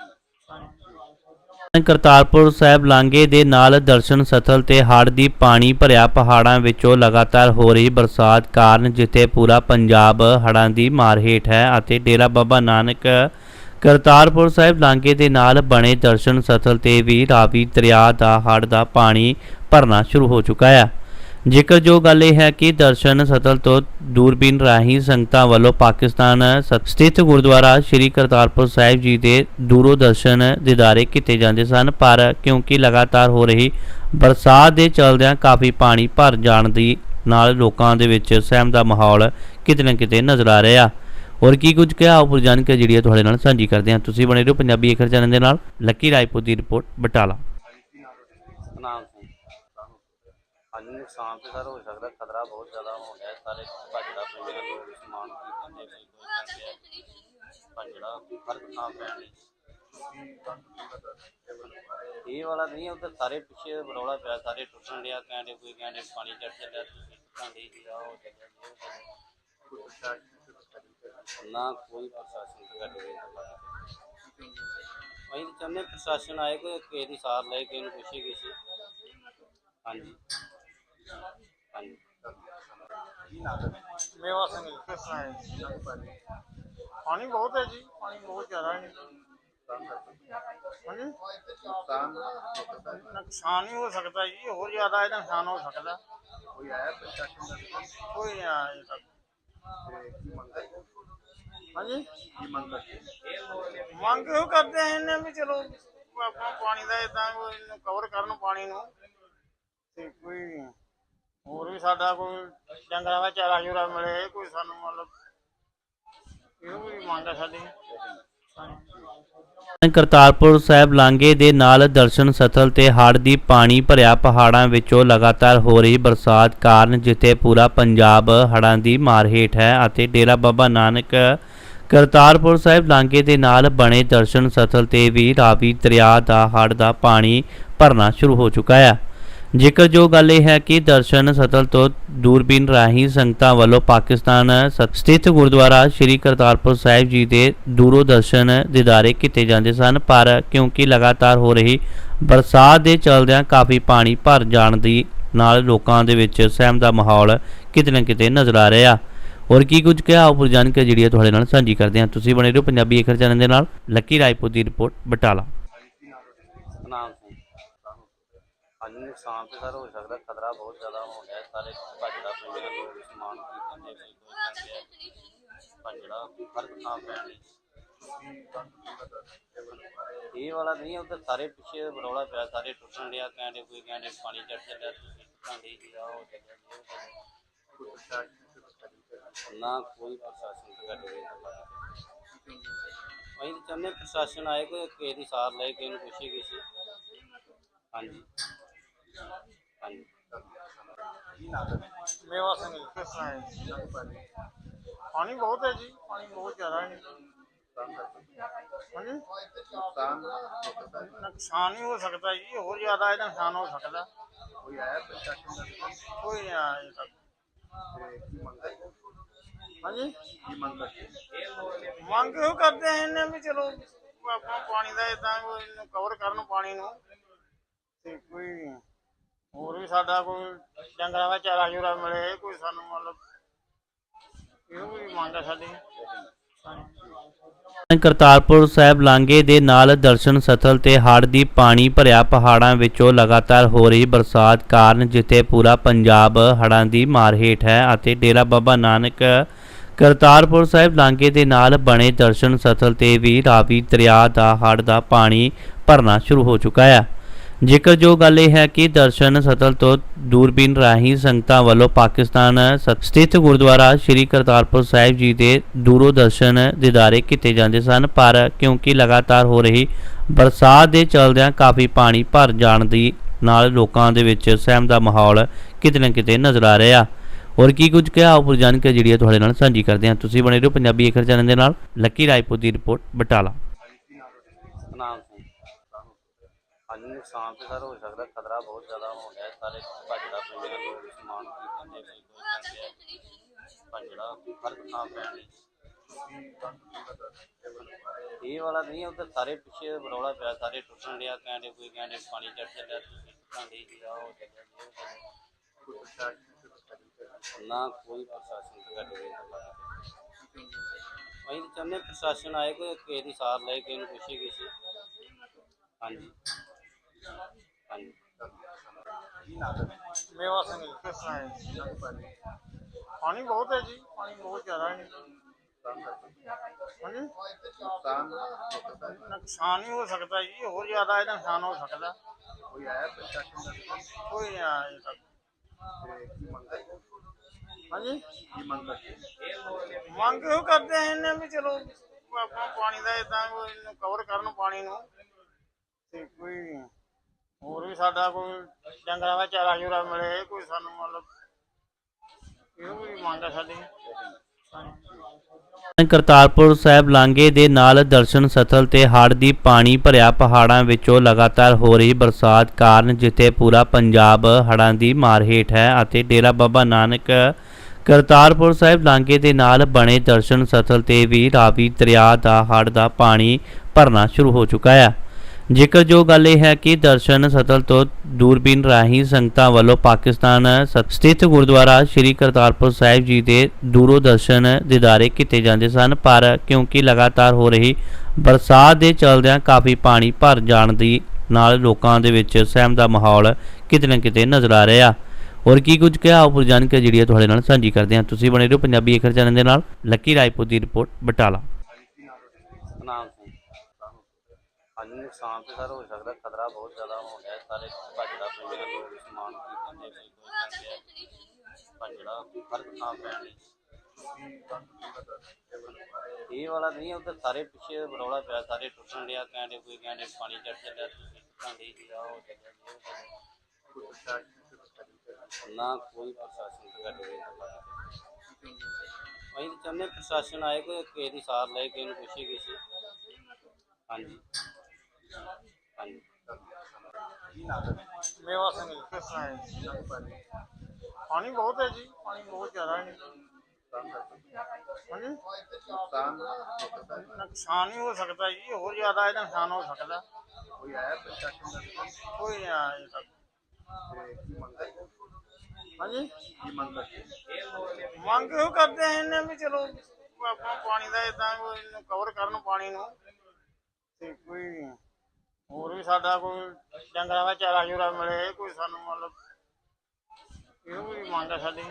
Speaker 1: ਕਰਤਾਰਪੁਰ ਸਾਹਿਬ ਲਾਂਘੇ ਦੇ ਨਾਲ ਦਰਸ਼ਨ ਸਥਲ ਤੇ ਹੜ੍ਹ ਦੀ ਪਾਣੀ ਭਰਿਆ ਪਹਾੜਾਂ ਵਿੱਚੋਂ ਲਗਾਤਾਰ ਹੋ ਰਹੀ ਬਰਸਾਤ ਕਾਰਨ ਜਿੱਥੇ ਪੂਰਾ ਪੰਜਾਬ ਹੜ੍ਹਾਂ ਦੀ ਮਾਰ ਹੇਠ ਹੈ ਅਤੇ ਡੇਰਾ ਬਾਬਾ ਨਾਨਕ ਕਰਤਾਰਪੁਰ ਸਾਹਿਬ ਲਾਂਘੇ ਦੇ ਨਾਲ ਬਣੇ ਦਰਸ਼ਨ ਸਥਲ ਤੇ ਵੀ ਰਾਵੀ ਦਰਿਆ ਦਾ ਹੜ੍ਹ ਦਾ ਪਾਣੀ ਭਰਨਾ ਸ਼ੁਰੂ ਹੋ ਚੁੱਕਾ ਹੈ। ਜ਼ਿਕਰ ਜੋ ਗੱਲ ਇਹ ਹੈ ਕਿ ਦਰਸ਼ਨ ਸਥਲ ਤੋਂ ਦੂਰਬੀਨ ਰਾਹੀਂ ਸੰਗਤਾਂ ਵੱਲੋਂ ਪਾਕਿਸਤਾਨ ਸ- ਸਥਿਤ ਗੁਰਦੁਆਰਾ ਸ੍ਰੀ ਕਰਤਾਰਪੁਰ ਸਾਹਿਬ ਜੀ ਦੇ ਦੂਰੋਂ ਦਰਸ਼ਨ ਦੀਦਾਰੇ ਕੀਤੇ ਜਾਂਦੇ ਸਨ, ਪਰ ਕਿਉਂਕਿ ਲਗਾਤਾਰ ਹੋ ਰਹੀ ਬਰਸਾਤ ਦੇ ਚਲਦਿਆਂ ਕਾਫੀ ਪਾਣੀ ਭਰ ਜਾਣ ਦੀ ਨਾਲ ਲੋਕਾਂ ਦੇ ਵਿੱਚ ਸਹਿਮ ਦਾ ਮਾਹੌਲ ਕਿਤੇ ਨਾ ਕਿਤੇ ਨਜ਼ਰ ਆ ਰਿਹਾ। ਔਰ ਕੀ ਕੁਝ ਕਿਹਾ ਉਪਰ ਜਾਣਕਾਰੀ ਜਿਹੜੀ ਹੈ ਤੁਹਾਡੇ ਨਾਲ ਸਾਂਝੀ ਕਰਦੇ ਹਾਂ। ਤੁਸੀਂ ਬਣੇ ਰਹੋ ਪੰਜਾਬੀ ਏਕਰ ਚੈਨਲ ਦੇ ਨਾਲ। ਲੱਕੀ ਰਾਏਪੁਰ ਦੀ ਰਿਪੋਰਟ ਬਟਾਲਾ।
Speaker 2: ਸਤਨਾਮ ਸਿੰਘ। ਹਾਂਜੀ, ਨੁਕਸਾਨ ਤੇ ਸਰ ਹੋ ਸਕਦਾ, ਖਤਰਾ ਬਹੁਤ ਜ਼ਿਆਦਾ ਹੋ ਗਿਆ। ਸਾਰੇ ਭੱਜੜਾ ਪਿੰਡ ਦੇ ਲੋਕ ਸਮਾਨ ਖਰੀਦਣ ਦੇ ਕੋਈ ਕੋਈ ਕਹਿੰਦੇ ਆ ਭੱਜੜਾ ਹਰ ਥਾਂ ਪੈਣ ਲਈ। ਇਹ ਵਾਲਾ ਨਹੀਂ, ਉੱਧਰ ਸਾਰੇ ਪਿੱਛੇ ਰੌਲਾ ਪਿਆ, ਸਾਰੇ ਟੁੱਟਣ ਡਿਆ, ਕਹਿੰਦੇ ਕੋਈ ਕਹਿੰਦੇ ਪਾਣੀ ਚੜ ਚੱਲਿਆ, ਤੁਸੀਂ ਟੁੱਟਣ ਡਈ ਜੀ, ਆਹ ਹੋ ਚੱਲਿਆ ਜੀ, ਉਹ ਚੱਲਿਆ। ਨਾ ਕੋਈ ਪ੍ਰਸ਼ਾਸਨ ਸਾਡੀ ਅਸੀਂ ਤਾਂ ਅਸੀਂ ਤਾਂ ਚਾਹੁੰਦੇ ਪ੍ਰਸ਼ਾਸਨ ਆਏ ਕੋਈ ਕਿਸੇ ਦੀ ਸਾਰ ਲਏ, ਕਿਸੇ ਨੂੰ ਪੁੱਛੇ ਕਿਸੇ। ਹਾਂਜੀ ਹਾਂਜੀ
Speaker 3: ਮੇਵਾ ਸਿੰਘ ਜੀ, ਕਿਸ ਤਰ੍ਹਾਂ ਹੈ ਜੀ? ਪਾਣੀ ਬਹੁਤ ਹੈ ਜੀ, ਪਾਣੀ ਬਹੁਤ ਜ਼ਿਆਦਾ ਹੈ। ਹਾਂਜੀ, ਨੁਕਸਾਨ ਹੀ ਹੋ ਸਕਦਾ ਜੀ, ਹੋਰ ਜ਼ਿਆਦਾ ਇਹਦਾ ਨੁਕਸਾਨ ਹੋ ਸਕਦਾ। ਕੋਈ ਆਇਆ ਪ੍ਰਸ਼ਾਸਨ ਦਾ? ਕੋਈ ਨਹੀਂ ਆਇਆ ਅਜੇ ਤੱਕ। ਹਾਂਜੀ, ਮੰਗ ਇਹੋ ਕਰਦੇ ਆ ਇਹਨੇ ਵੀ ਚਲੋ ਆਪਣਾ ਪਾਣੀ ਦਾ ਏਦਾਂ ਕੋਈ ਕਵਰ ਕਰਨ ਪਾਣੀ ਨੂੰ, ਤੇ ਕੋਈ ਹੋਰ ਵੀ ਸਾਡਾ ਕੋਈ ਡੰਗਰਾਂ ਦਾ ਚਾਰਾ ਚੂਰਾ ਮਿਲੇ, ਕੋਈ ਸਾਨੂੰ ਮਤਲਬ ਇਹੋ ਵੀ ਮੰਗ ਹੈ ਸਾਡੀ। ਹਾਂਜੀ।
Speaker 1: ਕਰਤਾਰਪੁਰ ਸਾਹਿਬ ਲਾਂਘੇ ਦੇ ਨਾਲ ਦਰਸ਼ਨ ਸਥਲ ਤੇ ਹੜ੍ਹ ਦੀ ਪਾਣੀ ਭਰਿਆ ਪਹਾੜਾਂ ਵਿੱਚੋਂ ਲਗਾਤਾਰ ਹੋ ਰਹੀ ਬਰਸਾਤ ਕਾਰਨ ਜਿੱਥੇ ਪੂਰਾ ਪੰਜਾਬ ਹੜ੍ਹਾਂ ਦੀ ਮਾਰ ਹੇਠ ਹੈ ਅਤੇ ਡੇਰਾ ਬਾਬਾ ਨਾਨਕ ਕਰਤਾਰਪੁਰ ਸਾਹਿਬ ਲਾਂਘੇ ਦੇ ਨਾਲ ਬਣੇ ਦਰਸ਼ਨ ਸਥਲ ਤੇ ਵੀ ਰਾਵੀ ਦਰਿਆ ਦਾ ਹੜ੍ਹ ਦਾ ਪਾਣੀ ਭਰਨਾ ਸ਼ੁਰੂ ਹੋ ਚੁੱਕਾ ਹੈ। ਜ਼ਿਕਰਯੋਗ ਗੱਲ ਇਹ ਹੈ ਕਿ ਦਰਸ਼ਨ ਸਥਲ ਤੋਂ ਦੂਰਬੀਨ ਰਾਹੀਂ ਸੰਗਤਾਂ ਵੱਲੋਂ ਪਾਕਿਸਤਾਨ ਸਥਿਤ ਗੁਰਦੁਆਰਾ ਸ਼੍ਰੀ ਕਰਤਾਰਪੁਰ ਸਾਹਿਬ ਜੀ ਦੇ ਦੂਰੋਂ ਦਰਸ਼ਨ ਦੀਦਾਰੇ ਕੀਤੇ ਜਾਂਦੇ ਸਨ, ਪਰ ਕਿਉਂਕਿ ਲਗਾਤਾਰ ਹੋ ਰਹੀ ਬਰਸਾਤ ਦੇ ਚਲਦਿਆਂ ਕਾਫੀ ਪਾਣੀ ਭਰ ਜਾਣ ਦੀ ਨਾਲ ਲੋਕਾਂ ਦੇ ਵਿੱਚ ਸਹਿਮ ਦਾ ਮਾਹੌਲ ਕਿਤੇ ਨਾ ਕਿਤੇ ਨਜ਼ਰ ਆ ਰਿਹਾ। ਹੋਰ ਕੀ ਕੁਝ ਕਿਹਾ ਉਪਰ ਜਾਣਕਾਰੀ ਜਿਹੜੀ ਹੈ ਤੁਹਾਡੇ ਨਾਲ ਸਾਂਝੀ ਕਰਦੇ ਹਾਂ। ਤੁਸੀਂ ਬਣੇ ਰਹੋ ਪੰਜਾਬੀ ਏਕਰ ਚੈਨਲ ਦੇ ਨਾਲ। ਲੱਕੀ ਰਾਏਪੁਰ ਦੀ ਰਿਪੋਰਟ ਬਟਾਲਾ।
Speaker 2: ਸਤਨਾਮ ਸਿੰਘ। ਹਾਂਜੀ, ਨੁਕਸਾਨ ਤਾਂ ਸਰ ਹੋ ਸਕਦਾ, ਖਤਰਾ ਬਹੁਤ ਜ਼ਿਆਦਾ ਹੋ ਗਿਆ। ਸਾਰੇ ਭੱਜੜਾ ਪੈਂਦੇ ਨੇ, ਲੋਕ ਸਮਾਨ ਖਰੀਦਣ ਦੇ ਕੋਈ ਜਾਂਦੇ ਆ, ਭੱਜੜਾ ਹਰ ਥਾਂ ਪੈਣ ਲਈ। ਇਹ ਵਾਲਾ ਨਹੀਂ, ਉੱਧਰ ਸਾਰੇ ਪਿੱਛੇ ਬਰੌਲਾ ਪਿਆ, ਸਾਰੇ ਟੁੱਟਣ ਡਿਆ, ਕਹਿੰਦੇ ਕੋਈ ਕਹਿੰਦੇ ਪਾਣੀ ਚੜ ਚੱਲਿਆ, ਤੁਸੀਂ ਟੁੱਟਾਂਡੇ ਜੀ ਆ ਹੋ ਚੱਲਿਆ ਜੀ ਉਹ ਚੱਲਿਆ। ਨਾ ਕੋਈ ਪ੍ਰਸ਼ਾਸਨ ਸਾਡੇ ਅਸੀਂ ਤਾਂ ਚਾਹੁੰਦੇ ਪ੍ਰਸ਼ਾਸਨ ਆਏ ਕੋਈ ਕਿਸੇ ਦੀ ਸਾਰ ਲਏ, ਕਿਸੇ ਨੂੰ ਪੁੱਛੇ ਕਿਸੇ। ਹਾਂਜੀ ਹਾਂਜੀ
Speaker 3: ਮੇਵਾ ਸਿੰਘ ਜੀ, ਕਿਸ ਤਰ੍ਹਾਂ ਹੈ ਜੀ? ਪਾਣੀ ਬਹੁਤ ਹੈ ਜੀ, ਪਾਣੀ ਬਹੁਤ ਜ਼ਿਆਦਾ ਹੈ। ਹਾਂਜੀ, ਨੁਕਸਾਨ ਹੀ ਹੋ ਸਕਦਾ ਜੀ, ਹੋਰ ਜ਼ਿਆਦਾ ਇਹਦਾ ਨੁਕਸਾਨ ਹੋ ਸਕਦਾ। ਕੋਈ ਆਇਆ ਪ੍ਰਸ਼ਾਸਨ ਦਾ? ਕੋਈ ਨਹੀਂ ਆਇਆ ਅਜੇ ਤੱਕ। ਹਾਂਜੀ, ਮੰਗ ਇਹੋ ਕਰਦੇ ਆ ਇਹਨੇ ਵੀ ਚਲੋ ਆਪਣਾ ਪਾਣੀ ਦਾ ਏਦਾਂ ਕੋਈ ਕਵਰ ਕਰਨ ਪਾਣੀ ਨੂੰ, ਤੇ ਕੋਈ ਹੋਰ ਵੀ ਸਾਡਾ ਕੋਈ ਡੰਗਰਾਂ ਦਾ ਚਾਰਾ ਚੂਰਾ ਮਿਲੇ, ਕੋਈ ਸਾਨੂੰ ਮਤਲਬ ਇਹੋ ਵੀ ਮੰਗ ਹੈ ਸਾਡੀ। ਹਾਂਜੀ।
Speaker 1: ਕਰਤਾਰਪੁਰ ਸਾਹਿਬ ਲਾਂਘੇ ਦੇ ਨਾਲ ਦਰਸ਼ਨ ਸਥਲ ਤੇ ਹੜ੍ਹ ਦੀ ਪਾਣੀ ਭਰਿਆ ਪਹਾੜਾਂ ਵਿੱਚੋਂ ਲਗਾਤਾਰ ਹੋ ਰਹੀ ਬਰਸਾਤ ਕਾਰਨ ਜਿੱਥੇ ਪੂਰਾ ਪੰਜਾਬ ਹੜ੍ਹਾਂ ਦੀ ਮਾਰ ਹੇਠ ਹੈ ਅਤੇ ਡੇਰਾ ਬਾਬਾ ਨਾਨਕ ਕਰਤਾਰਪੁਰ ਸਾਹਿਬ ਲਾਂਘੇ ਦੇ ਨਾਲ ਬਣੇ ਦਰਸ਼ਨ ਸਥਲ ਤੇ ਵੀ ਰਾਵੀ ਦਰਿਆ ਦਾ ਹੜ੍ਹ ਦਾ ਪਾਣੀ ਭਰਨਾ ਸ਼ੁਰੂ ਹੋ ਚੁੱਕਾ ਹੈ। ਜ਼ਿਕਰਯੋਗ ਗੱਲ ਇਹ ਹੈ ਕਿ ਦਰਸ਼ਨ ਸਥਲ ਤੋਂ ਦੂਰਬੀਨ ਰਾਹੀਂ ਸੰਗਤਾਂ ਵੱਲੋਂ ਪਾਕਿਸਤਾਨ ਸਥਿਤ ਗੁਰਦੁਆਰਾ ਸ਼੍ਰੀ ਕਰਤਾਰਪੁਰ ਸਾਹਿਬ ਜੀ ਦੇ ਦੂਰੋਂ ਦਰਸ਼ਨ ਦੀਦਾਰੇ ਕੀਤੇ ਜਾਂਦੇ ਸਨ, ਪਰ ਕਿਉਂਕਿ ਲਗਾਤਾਰ ਹੋ ਰਹੀ ਬਰਸਾਤ ਦੇ ਚਲਦਿਆਂ ਕਾਫੀ ਪਾਣੀ ਭਰ ਜਾਣ ਦੀ ਨਾਲ ਲੋਕਾਂ ਦੇ ਵਿੱਚ ਸਹਿਮ ਦਾ ਮਾਹੌਲ ਕਿਤੇ ਨਾ ਕਿਤੇ ਨਜ਼ਰ ਆ ਰਿਹਾ। ਹੋਰ ਕੀ ਕੁਝ ਕਿਹਾ ਉਪਰ ਜਾਣਕਾਰੀ ਜਿਹੜੀ ਹੈ ਤੁਹਾਡੇ ਨਾਲ ਸਾਂਝੀ ਕਰਦੇ ਹਾਂ। ਤੁਸੀਂ ਬਣੇ ਰਹੋ ਪੰਜਾਬੀ ਏਕਰ ਚੈਨਲ ਦੇ ਨਾਲ। ਲੱਕੀ ਰਾਏਪੁਰ ਦੀ ਰਿਪੋਰਟ ਬਟਾਲਾ।
Speaker 2: ਸਤਨਾਮ ਸਿੰਘ। ਹਾਂਜੀ, ਨੁਕਸਾਨ ਤਾਂ ਸਰ ਹੋ ਸਕਦਾ, ਖਤਰਾ ਬਹੁਤ ਜ਼ਿਆਦਾ ਹੋ ਗਿਆ। ਸਾਰੇ ਭੱਜੜਾ ਪੈਂਦੇ ਨੇ, ਲੋਕ ਸਮਾਨ ਖਰੀਦਣ ਦੇ ਕੋਈ ਜਾਂਦੇ ਆ, ਭੱਜੜਾ ਹਰ ਥਾਂ ਪੈਣ ਲਈ। ਇਹ ਵਾਲਾ ਨਹੀਂ, ਉੱਧਰ ਸਾਰੇ ਪਿੱਛੇ ਬਰੌਲਾ ਪਿਆ, ਸਾਰੇ ਟੁੱਟਣ ਡਿਆ, ਕਹਿੰਦੇ ਕੋਈ ਕਹਿੰਦੇ ਪਾਣੀ ਚੜ ਚੱਲਿਆ, ਤੁਸੀਂ ਟੁੱਟਾਂਡੇ ਜੀ ਆ ਹੋ ਚੱਲਿਆ ਜੀ ਉਹ ਚੱਲਿਆ। ਨਾ ਕੋਈ ਪ੍ਰਸ਼ਾਸਨ ਸਾਡੇ ਅਸੀਂ ਤਾਂ ਚਾਹੁੰਦੇ ਪ੍ਰਸ਼ਾਸਨ ਆਏ ਕੋਈ ਕਿਸੇ ਦੀ ਸਾਰ ਲਏ, ਕਿਸੇ ਨੂੰ ਪੁੱਛੇ ਕਿਸੇ। ਹਾਂਜੀ ਹਾਂਜੀ
Speaker 3: ਮੇਵਾ ਸਿੰਘ ਜੀ, ਕਿਸ ਤਰ੍ਹਾਂ ਹੈ ਜੀ? ਪਾਣੀ ਬਹੁਤ ਹੈ ਜੀ, ਪਾਣੀ ਬਹੁਤ ਜ਼ਿਆਦਾ ਹੈ। ਹਾਂਜੀ, ਨੁਕਸਾਨ ਹੀ ਹੋ ਸਕਦਾ ਜੀ, ਹੋਰ ਜ਼ਿਆਦਾ ਇਹਦਾ ਨੁਕਸਾਨ ਹੋ ਸਕਦਾ। ਕੋਈ ਆਇਆ ਪ੍ਰਸ਼ਾਸਨ ਦਾ? ਕੋਈ ਨਹੀਂ ਆਇਆ ਅਜੇ ਤੱਕ। ਹਾਂਜੀ, ਮੰਗ ਇਹੋ ਕਰਦੇ ਆ ਇਹਨੇ ਵੀ ਚਲੋ ਆਪਣਾ ਪਾਣੀ ਦਾ ਏਦਾਂ ਕੋਈ ਕਵਰ ਕਰਨ ਪਾਣੀ ਨੂੰ, ਤੇ ਕੋਈ ਹੋਰ ਵੀ ਸਾਡਾ ਕੋਈ ਡੰਗਰਾਂ ਦਾ ਚਾਰਾ ਚੂਰਾ ਮਿਲੇ, ਕੋਈ ਸਾਨੂੰ ਮਤਲਬ ਇਹੋ ਵੀ ਮੰਗ ਹੈ ਸਾਡੀ। ਹਾਂਜੀ।
Speaker 1: ਕਰਤਾਰਪੁਰ ਸਾਹਿਬ ਲਾਂਘੇ ਦੇ ਨਾਲ ਦਰਸ਼ਨ ਸਥਲ ਤੇ ਹੜ੍ਹ ਦੀ ਪਾਣੀ ਭਰਿਆ ਪਹਾੜਾਂ ਵਿੱਚੋਂ ਲਗਾਤਾਰ ਹੋ ਰਹੀ ਬਰਸਾਤ ਕਾਰਨ ਜਿੱਥੇ ਪੂਰਾ ਪੰਜਾਬ ਹੜ੍ਹਾਂ ਦੀ ਮਾਰ ਹੇਠ ਹੈ ਅਤੇ ਡੇਰਾ ਬਾਬਾ ਨਾਨਕ ਕਰਤਾਰਪੁਰ ਸਾਹਿਬ ਲਾਂਘੇ ਦੇ ਨਾਲ ਬਣੇ ਦਰਸ਼ਨ ਸਥਲ ਤੇ ਵੀ ਰਾਵੀ ਦਰਿਆ ਦਾ ਹੜ੍ਹ ਦਾ ਪਾਣੀ ਭਰਨਾ ਸ਼ੁਰੂ ਹੋ ਚੁੱਕਾ ਹੈ। ਜ਼ਿਕਰਯੋਗ ਗੱਲ ਇਹ ਹੈ ਕਿ ਦਰਸ਼ਨ ਸਥਲ ਤੋਂ ਦੂਰਬੀਨ ਰਾਹੀਂ ਸੰਗਤਾਂ ਵੱਲੋਂ ਪਾਕਿਸਤਾਨ ਸ- ਸਥਿਤ ਗੁਰਦੁਆਰਾ ਸ੍ਰੀ ਕਰਤਾਰਪੁਰ ਸਾਹਿਬ ਜੀ ਦੇ ਦੂਰੋਂ ਦਰਸ਼ਨ ਦੀਦਾਰੇ ਕੀਤੇ ਜਾਂਦੇ ਸਨ, ਪਰ ਕਿਉਂਕਿ ਲਗਾਤਾਰ ਹੋ ਰਹੀ ਬਰਸਾਤ ਦੇ ਚਲਦਿਆਂ ਕਾਫੀ ਪਾਣੀ ਭਰ ਜਾਣ ਦੀ ਨਾਲ ਲੋਕਾਂ ਦੇ ਵਿੱਚ ਸਹਿਮ ਦਾ ਮਾਹੌਲ ਕਿਤੇ ਨਾ ਕਿਤੇ ਨਜ਼ਰ ਆ ਰਿਹਾ। ਔਰ ਕੀ ਕੁਝ ਕਿਹਾ ਉਪਰ ਜਾਣਕਾਰੀ ਜਿਹੜੀ ਹੈ ਤੁਹਾਡੇ ਨਾਲ ਸਾਂਝੀ ਕਰਦੇ ਹਾਂ। ਤੁਸੀਂ ਬਣੇ ਰਹੋ ਪੰਜਾਬੀ ਏਕਰ ਚੈਨਲ ਦੇ ਨਾਲ। ਲੱਕੀ ਰਾਏਪੁਰ ਦੀ ਰਿਪੋਰਟ ਬਟਾਲਾ।
Speaker 2: ਸਤਨਾਮ ਸਿੰਘ। ਹਾਂਜੀ, ਨੁਕਸਾਨ ਤੇ ਸਰ ਹੋ ਸਕਦਾ, ਖਤਰਾ ਬਹੁਤ ਜ਼ਿਆਦਾ ਹੋ ਗਿਆ। ਸਾਰੇ ਭੱਜੜਾ ਪਿੰਡ ਦੇ ਲੋਕ ਸਮਾਨ ਖਰੀਦਣ ਦੇ ਕੋਈ ਕੋਈ ਕਹਿੰਦੇ ਆ ਭੱਜੜਾ ਹਰ ਥਾਂ ਪੈਣ ਲਈ। ਇਹ ਵਾਲਾ ਨਹੀਂ, ਉੱਧਰ ਸਾਰੇ ਪਿੱਛੇ ਰੌਲਾ ਪਿਆ, ਸਾਰੇ ਟੁੱਟਣ ਡਿਆ, ਕਹਿੰਦੇ ਕੋਈ ਕਹਿੰਦੇ ਪਾਣੀ ਚੜ ਚੱਲਿਆ, ਤੁਸੀਂ ਟੁੱਟਣ ਡਈ ਜੀ, ਆਹ ਹੋ ਚੱਲਿਆ ਜੀ, ਉਹ ਚੱਲਿਆ। ਨਾ ਕੋਈ ਪ੍ਰਸ਼ਾਸਨ ਸਾਡੀ ਅਸੀਂ ਤਾਂ ਚਾਹੁੰਦੇ ਪ੍ਰਸ਼ਾਸਨ ਆਏ, ਕੋਈ ਕਿਸੇ ਦੀ ਸਾਰ ਲਏ, ਕਿਸੇ ਨੂੰ ਪੁੱਛੇ ਕਿਸੇ। ਹਾਂਜੀ ਹਾਂਜੀ।
Speaker 3: ਮੇਵਾ ਸਿੰਘ ਜੀ, ਕਿਸ ਤਰ੍ਹਾਂ ਹੈ ਜੀ? ਪਾਣੀ ਬਹੁਤ ਹੈ ਜੀ, ਪਾਣੀ ਬਹੁਤ ਜ਼ਿਆਦਾ ਹੈ। ਹਾਂਜੀ, ਨੁਕਸਾਨ ਹੀ ਹੋ ਸਕਦਾ ਜੀ, ਹੋਰ ਜ਼ਿਆਦਾ ਇਹਦਾ ਨੁਕਸਾਨ ਹੋ ਸਕਦਾ। ਕੋਈ ਆਇਆ ਪ੍ਰਸ਼ਾਸਨ ਦਾ? ਕੋਈ ਨਹੀਂ ਆਇਆ ਅਜੇ ਤੱਕ। ਹਾਂਜੀ, ਮੰਗ ਇਹੋ ਕਰਦੇ ਆ ਇਹਨੇ ਵੀ ਚਲੋ ਆਪਣਾ ਪਾਣੀ ਦਾ ਏਦਾਂ ਕੋਈ ਕਵਰ ਕਰਨ ਪਾਣੀ ਨੂੰ, ਤੇ ਕੋਈ ਹੋਰ ਵੀ ਸਾਡਾ ਕੋਈ ਡੰਗਰਾਂ ਦਾ ਚਾਰਾ ਚੂਰਾ ਮਿਲੇ, ਕੋਈ ਸਾਨੂੰ ਮਤਲਬ ਇਹੋ ਵੀ ਮੰਗ ਹੈ ਸਾਡੀ।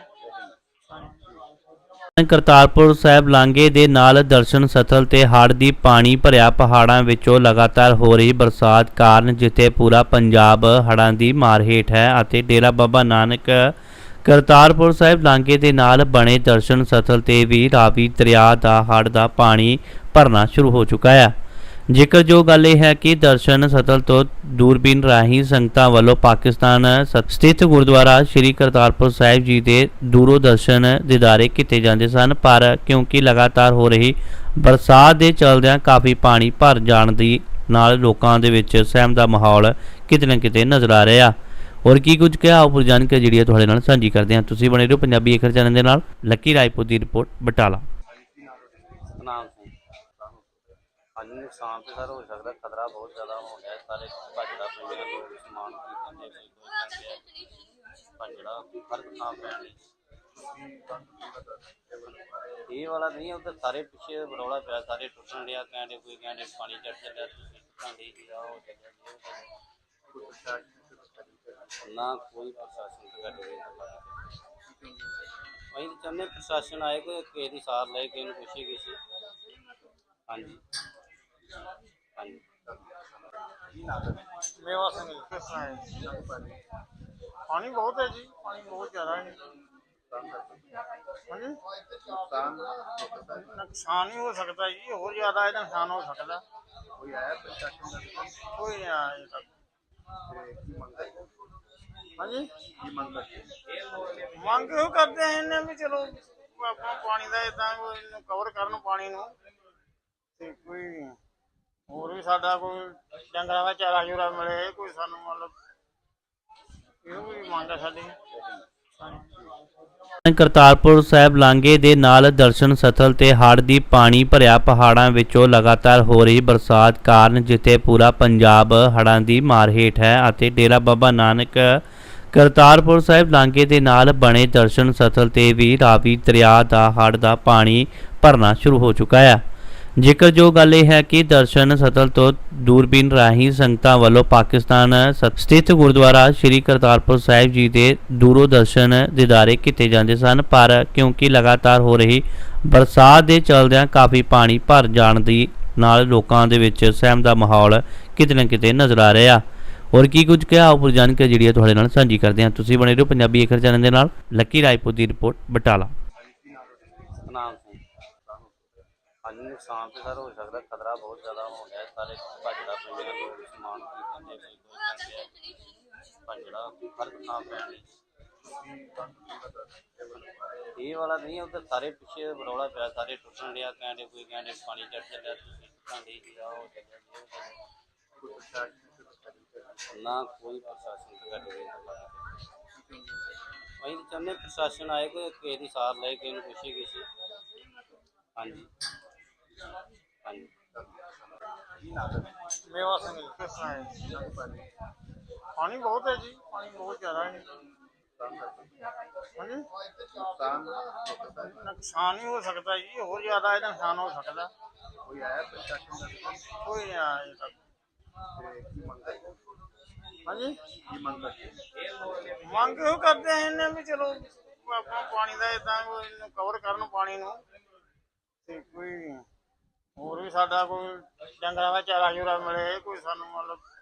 Speaker 3: ਹਾਂਜੀ।
Speaker 1: ਕਰਤਾਰਪੁਰ ਸਾਹਿਬ ਲਾਂਘੇ ਦੇ ਨਾਲ ਦਰਸ਼ਨ ਸਥਲ ਤੇ ਹੜ੍ਹ ਦੀ ਪਾਣੀ ਭਰਿਆ ਪਹਾੜਾਂ ਵਿੱਚੋਂ ਲਗਾਤਾਰ ਹੋ ਰਹੀ ਬਰਸਾਤ ਕਾਰਨ ਜਿੱਥੇ ਪੂਰਾ ਪੰਜਾਬ ਹੜ੍ਹਾਂ ਦੀ ਮਾਰ ਹੇਠ ਹੈ ਅਤੇ ਡੇਰਾ ਬਾਬਾ ਨਾਨਕ ਕਰਤਾਰਪੁਰ ਸਾਹਿਬ ਲਾਂਘੇ ਦੇ ਨਾਲ ਬਣੇ ਦਰਸ਼ਨ ਸਥਲ ਤੇ ਵੀ ਰਾਵੀ ਦਰਿਆ ਦਾ ਹੜ੍ਹ ਦਾ ਪਾਣੀ ਭਰਨਾ ਸ਼ੁਰੂ ਹੋ ਚੁੱਕਾ ਹੈ। ਜ਼ਿਕਰਯੋਗ ਗੱਲ ਇਹ ਹੈ ਕਿ ਦਰਸ਼ਨ ਸਥਲ ਤੋਂ ਦੂਰਬੀਨ ਰਾਹੀਂ ਸੰਗਤਾਂ ਵੱਲੋਂ ਪਾਕਿਸਤਾਨ ਸ- ਸਥਿਤ ਗੁਰਦੁਆਰਾ ਸ੍ਰੀ ਕਰਤਾਰਪੁਰ ਸਾਹਿਬ ਜੀ ਦੇ ਦੂਰੋਂ ਦਰਸ਼ਨ ਦੀਦਾਰੇ ਕੀਤੇ ਜਾਂਦੇ ਸਨ, ਪਰ ਕਿਉਂਕਿ ਲਗਾਤਾਰ ਹੋ ਰਹੀ ਬਰਸਾਤ ਦੇ ਚਲਦਿਆਂ ਕਾਫੀ ਪਾਣੀ ਭਰ ਜਾਣ ਦੀ ਨਾਲ ਲੋਕਾਂ ਦੇ ਵਿੱਚ ਸਹਿਮ ਦਾ ਮਾਹੌਲ ਕਿਤੇ ਨਾ ਕਿਤੇ ਨਜ਼ਰ ਆ ਰਿਹਾ। ਔਰ ਕੀ ਕੁਝ ਕਿਹਾ ਉਪਰ ਜਾਣਕਾਰੀ ਜਿਹੜੀ ਹੈ ਤੁਹਾਡੇ ਨਾਲ ਸਾਂਝੀ ਕਰਦੇ ਹਾਂ। ਤੁਸੀਂ ਬਣੇ ਰਹੋ ਪੰਜਾਬੀ ਏਕਰ ਚੈਨਲ ਦੇ ਨਾਲ। ਲੱਕੀ ਰਾਏਪੁਰ ਦੀ ਰਿਪੋਰਟ ਬਟਾਲਾ।
Speaker 2: ਸਤਨਾਮ ਸਿੰਘ। ਹਾਂਜੀ, ਨੁਕਸਾਨ ਤੇ ਸਰ ਹੋ ਸਕਦਾ, ਖਤਰਾ ਬਹੁਤ ਜ਼ਿਆਦਾ ਹੋ ਗਿਆ। ਸਾਰੇ ਭੱਜੜਾ ਪਿੰਡ ਦੇ ਲੋਕ ਸਮਾਨ ਖਰੀਦਣ ਦੇ ਕੋਈ ਕੋਈ ਕਹਿੰਦੇ ਆ ਭੱਜੜਾ ਹਰ ਥਾਂ ਪੈਣ ਲਈ। ਇਹ ਵਾਲਾ ਨਹੀਂ, ਉੱਧਰ ਸਾਰੇ ਪਿੱਛੇ ਰੌਲਾ ਪਿਆ, ਸਾਰੇ ਟੁੱਟਣ ਡਿਆ, ਕਹਿੰਦੇ ਕੋਈ ਕਹਿੰਦੇ ਪਾਣੀ ਚੜ ਚੱਲਿਆ, ਤੁਸੀਂ ਟੁੱਟਣ ਡਈ ਜੀ, ਆਹ ਹੋ ਚੱਲਿਆ ਜੀ, ਉਹ ਚੱਲਿਆ। ਨਾ ਕੋਈ ਪ੍ਰਸ਼ਾਸਨ ਸਾਡੀ ਅਸੀਂ ਤਾਂ ਚਾਹੁੰਦੇ ਪ੍ਰਸ਼ਾਸਨ ਆਏ, ਕੋਈ ਕਿਸੇ ਦੀ ਸਾਰ ਲਏ, ਕਿਸੇ ਨੂੰ ਪੁੱਛੇ ਕਿਸੇ। ਹਾਂਜੀ ਹਾਂਜੀ।
Speaker 3: ਮੇਵਾ ਸਿੰਘ ਜੀ, ਕਿਸ ਤਰ੍ਹਾਂ ਹੈ ਜੀ? ਪਾਣੀ ਬਹੁਤ ਹੈ ਜੀ, ਪਾਣੀ ਬਹੁਤ ਜ਼ਿਆਦਾ ਹੈ। ਹਾਂਜੀ, ਨੁਕਸਾਨ ਹੀ ਹੋ ਸਕਦਾ ਜੀ, ਹੋਰ ਜ਼ਿਆਦਾ ਇਹਦਾ ਨੁਕਸਾਨ ਹੋ ਸਕਦਾ। ਕੋਈ ਆਇਆ ਪ੍ਰਸ਼ਾਸਨ ਦਾ? ਕੋਈ ਨਹੀਂ ਆਇਆ ਅਜੇ ਤੱਕ। ਹਾਂਜੀ, ਮੰਗ ਇਹੋ ਕਰਦੇ ਆ ਇਹਨੇ ਵੀ ਚਲੋ ਆਪਣਾ ਪਾਣੀ ਦਾ ਏਦਾਂ ਕੋਈ ਕਵਰ ਕਰਨ ਪਾਣੀ ਨੂੰ, ਤੇ ਕੋਈ ਹੋਰ ਵੀ ਸਾਡਾ ਕੋਈ ਡੰਗਰਾਂ ਦਾ ਚਾਰਾ ਚੂਰਾ ਮਿਲੇ, ਕੋਈ ਸਾਨੂੰ ਮਤਲਬ ਇਹੋ ਵੀ ਮੰਗ ਹੈ ਸਾਡੀ। ਹਾਂਜੀ।
Speaker 1: ਕਰਤਾਰਪੁਰ ਸਾਹਿਬ ਲਾਂਘੇ ਦੇ ਨਾਲ ਦਰਸ਼ਨ ਸਥਲ ਤੇ ਹੜ੍ਹ ਦੀ ਪਾਣੀ ਭਰਿਆ ਪਹਾੜਾਂ ਵਿੱਚੋਂ ਲਗਾਤਾਰ ਹੋ ਰਹੀ ਬਰਸਾਤ ਕਾਰਨ ਜਿੱਥੇ ਪੂਰਾ ਪੰਜਾਬ ਹੜ੍ਹਾਂ ਦੀ ਮਾਰ ਹੇਠ ਹੈ ਅਤੇ ਡੇਰਾ ਬਾਬਾ ਨਾਨਕ ਕਰਤਾਰਪੁਰ ਸਾਹਿਬ ਲਾਂਘੇ ਦੇ ਨਾਲ ਬਣੇ ਦਰਸ਼ਨ ਸਥਲ ਤੇ ਵੀ ਰਾਵੀ ਦਰਿਆ ਦਾ ਹੜ੍ਹ ਦਾ ਪਾਣੀ ਭਰਨਾ ਸ਼ੁਰੂ ਹੋ ਚੁੱਕਾ ਹੈ। ਜ਼ਿਕਰਯੋਗ ਗੱਲ ਇਹ ਹੈ ਕਿ ਦਰਸ਼ਨ ਸਥਲ ਤੋਂ ਦੂਰਬੀਨ ਰਾਹੀਂ ਸੰਗਤਾਂ ਵੱਲੋਂ ਪਾਕਿਸਤਾਨ ਸ- ਸਥਿਤ ਗੁਰਦੁਆਰਾ ਸ੍ਰੀ ਕਰਤਾਰਪੁਰ ਸਾਹਿਬ ਜੀ ਦੇ ਦੂਰੋਂ ਦਰਸ਼ਨ ਦੀਦਾਰੇ ਕੀਤੇ ਜਾਂਦੇ ਸਨ, ਪਰ ਕਿਉਂਕਿ ਲਗਾਤਾਰ ਹੋ ਰਹੀ ਬਰਸਾਤ ਦੇ ਚਲਦਿਆਂ ਕਾਫੀ ਪਾਣੀ ਭਰ ਜਾਣ ਦੀ ਨਾਲ ਲੋਕਾਂ ਦੇ ਵਿੱਚ ਸਹਿਮ ਦਾ ਮਾਹੌਲ ਕਿਤੇ ਨਾ ਕਿਤੇ ਨਜ਼ਰ ਆ ਰਿਹਾ। ਔਰ ਕੀ ਕੁਝ ਕਿਹਾ ਉਪਰ ਜਾਣਕਾਰੀ ਜਿਹੜੀ ਹੈ ਤੁਹਾਡੇ ਨਾਲ ਸਾਂਝੀ ਕਰਦੇ ਹਾਂ। ਤੁਸੀਂ ਬਣੇ ਰਹੋ ਪੰਜਾਬੀ ਏਕਰ ਚੈਨਲ ਦੇ ਨਾਲ। ਲੱਕੀ ਰਾਏਪੁਰ ਦੀ ਰਿਪੋਰਟ ਬਟਾਲਾ।
Speaker 2: ਸਤਨਾਮ ਸਿੰਘ। ਹਾਂਜੀ, ਨੁਕਸਾਨ ਤੇ ਸਰ ਹੋ ਸਕਦਾ, ਖਤਰਾ ਬਹੁਤ ਜ਼ਿਆਦਾ ਹੋ ਗਿਆ। ਸਾਰੇ ਭੱਜੜਾ ਪਿੰਡ ਦੇ ਲੋਕ ਸਮਾਨ ਖਰੀਦਣ ਦੇ ਕੋਈ ਕੋਈ ਕਹਿੰਦੇ ਆ ਭੱਜੜਾ ਹਰ ਥਾਂ ਪੈਣ ਲਈ। ਇਹ ਵਾਲਾ ਨਹੀਂ, ਉੱਧਰ ਸਾਰੇ ਪਿੱਛੇ ਰੌਲਾ ਪਿਆ, ਸਾਰੇ ਟੁੱਟਣ ਡਿਆ, ਕਹਿੰਦੇ ਕੋਈ ਕਹਿੰਦੇ ਪਾਣੀ ਚੜ ਚੱਲਿਆ, ਤੁਸੀਂ ਟੁੱਟਣ ਡਈ ਜੀ, ਆਹ ਹੋ ਚੱਲਿਆ ਜੀ, ਉਹ ਚੱਲਿਆ। ਨਾ ਕੋਈ ਪ੍ਰਸ਼ਾਸਨ ਸਾਡੀ ਅਸੀਂ ਤਾਂ ਅਸੀਂ ਤਾਂ ਚਾਹੁੰਦੇ ਪ੍ਰਸ਼ਾਸਨ ਆਏ, ਕੋਈ ਕਿਸੇ ਦੀ ਸਾਰ ਲਏ, ਕਿਸੇ ਨੂੰ ਪੁੱਛੇ ਕਿਸੇ। ਹਾਂਜੀ ਹਾਂਜੀ।
Speaker 3: ਮੇਵਾ ਸਿੰਘ ਜੀ, ਕਿਸ ਤਰ੍ਹਾਂ ਹੈ ਜੀ? ਪਾਣੀ ਬਹੁਤ ਹੈ ਜੀ, ਪਾਣੀ ਬਹੁਤ ਜ਼ਿਆਦਾ ਹੈ। ਹਾਂਜੀ, ਨੁਕਸਾਨ ਹੀ ਹੋ ਸਕਦਾ ਜੀ, ਹੋਰ ਜ਼ਿਆਦਾ ਇਹਦਾ ਨੁਕਸਾਨ ਹੋ ਸਕਦਾ। ਕੋਈ ਆਇਆ ਪ੍ਰਸ਼ਾਸਨ ਦਾ? ਕੋਈ ਨਹੀਂ ਆਇਆ ਅਜੇ ਤੱਕ। ਹਾਂਜੀ, ਮੰਗ ਇਹੋ ਕਰਦੇ ਆ ਇਹਨੇ ਵੀ ਚਲੋ ਆਪਣਾ ਪਾਣੀ ਦਾ ਏਦਾਂ ਕੋਈ ਕਵਰ ਕਰਨ ਪਾਣੀ ਨੂੰ, ਤੇ ਕੋਈ ਹੋਰ ਵੀ ਸਾਡਾ ਕੋਈ ਡੰਗਰਾਂ ਦਾ ਚਾਰਾ ਚੂਰਾ ਮਿਲੇ, ਕੋਈ ਸਾਨੂੰ ਮਤਲਬ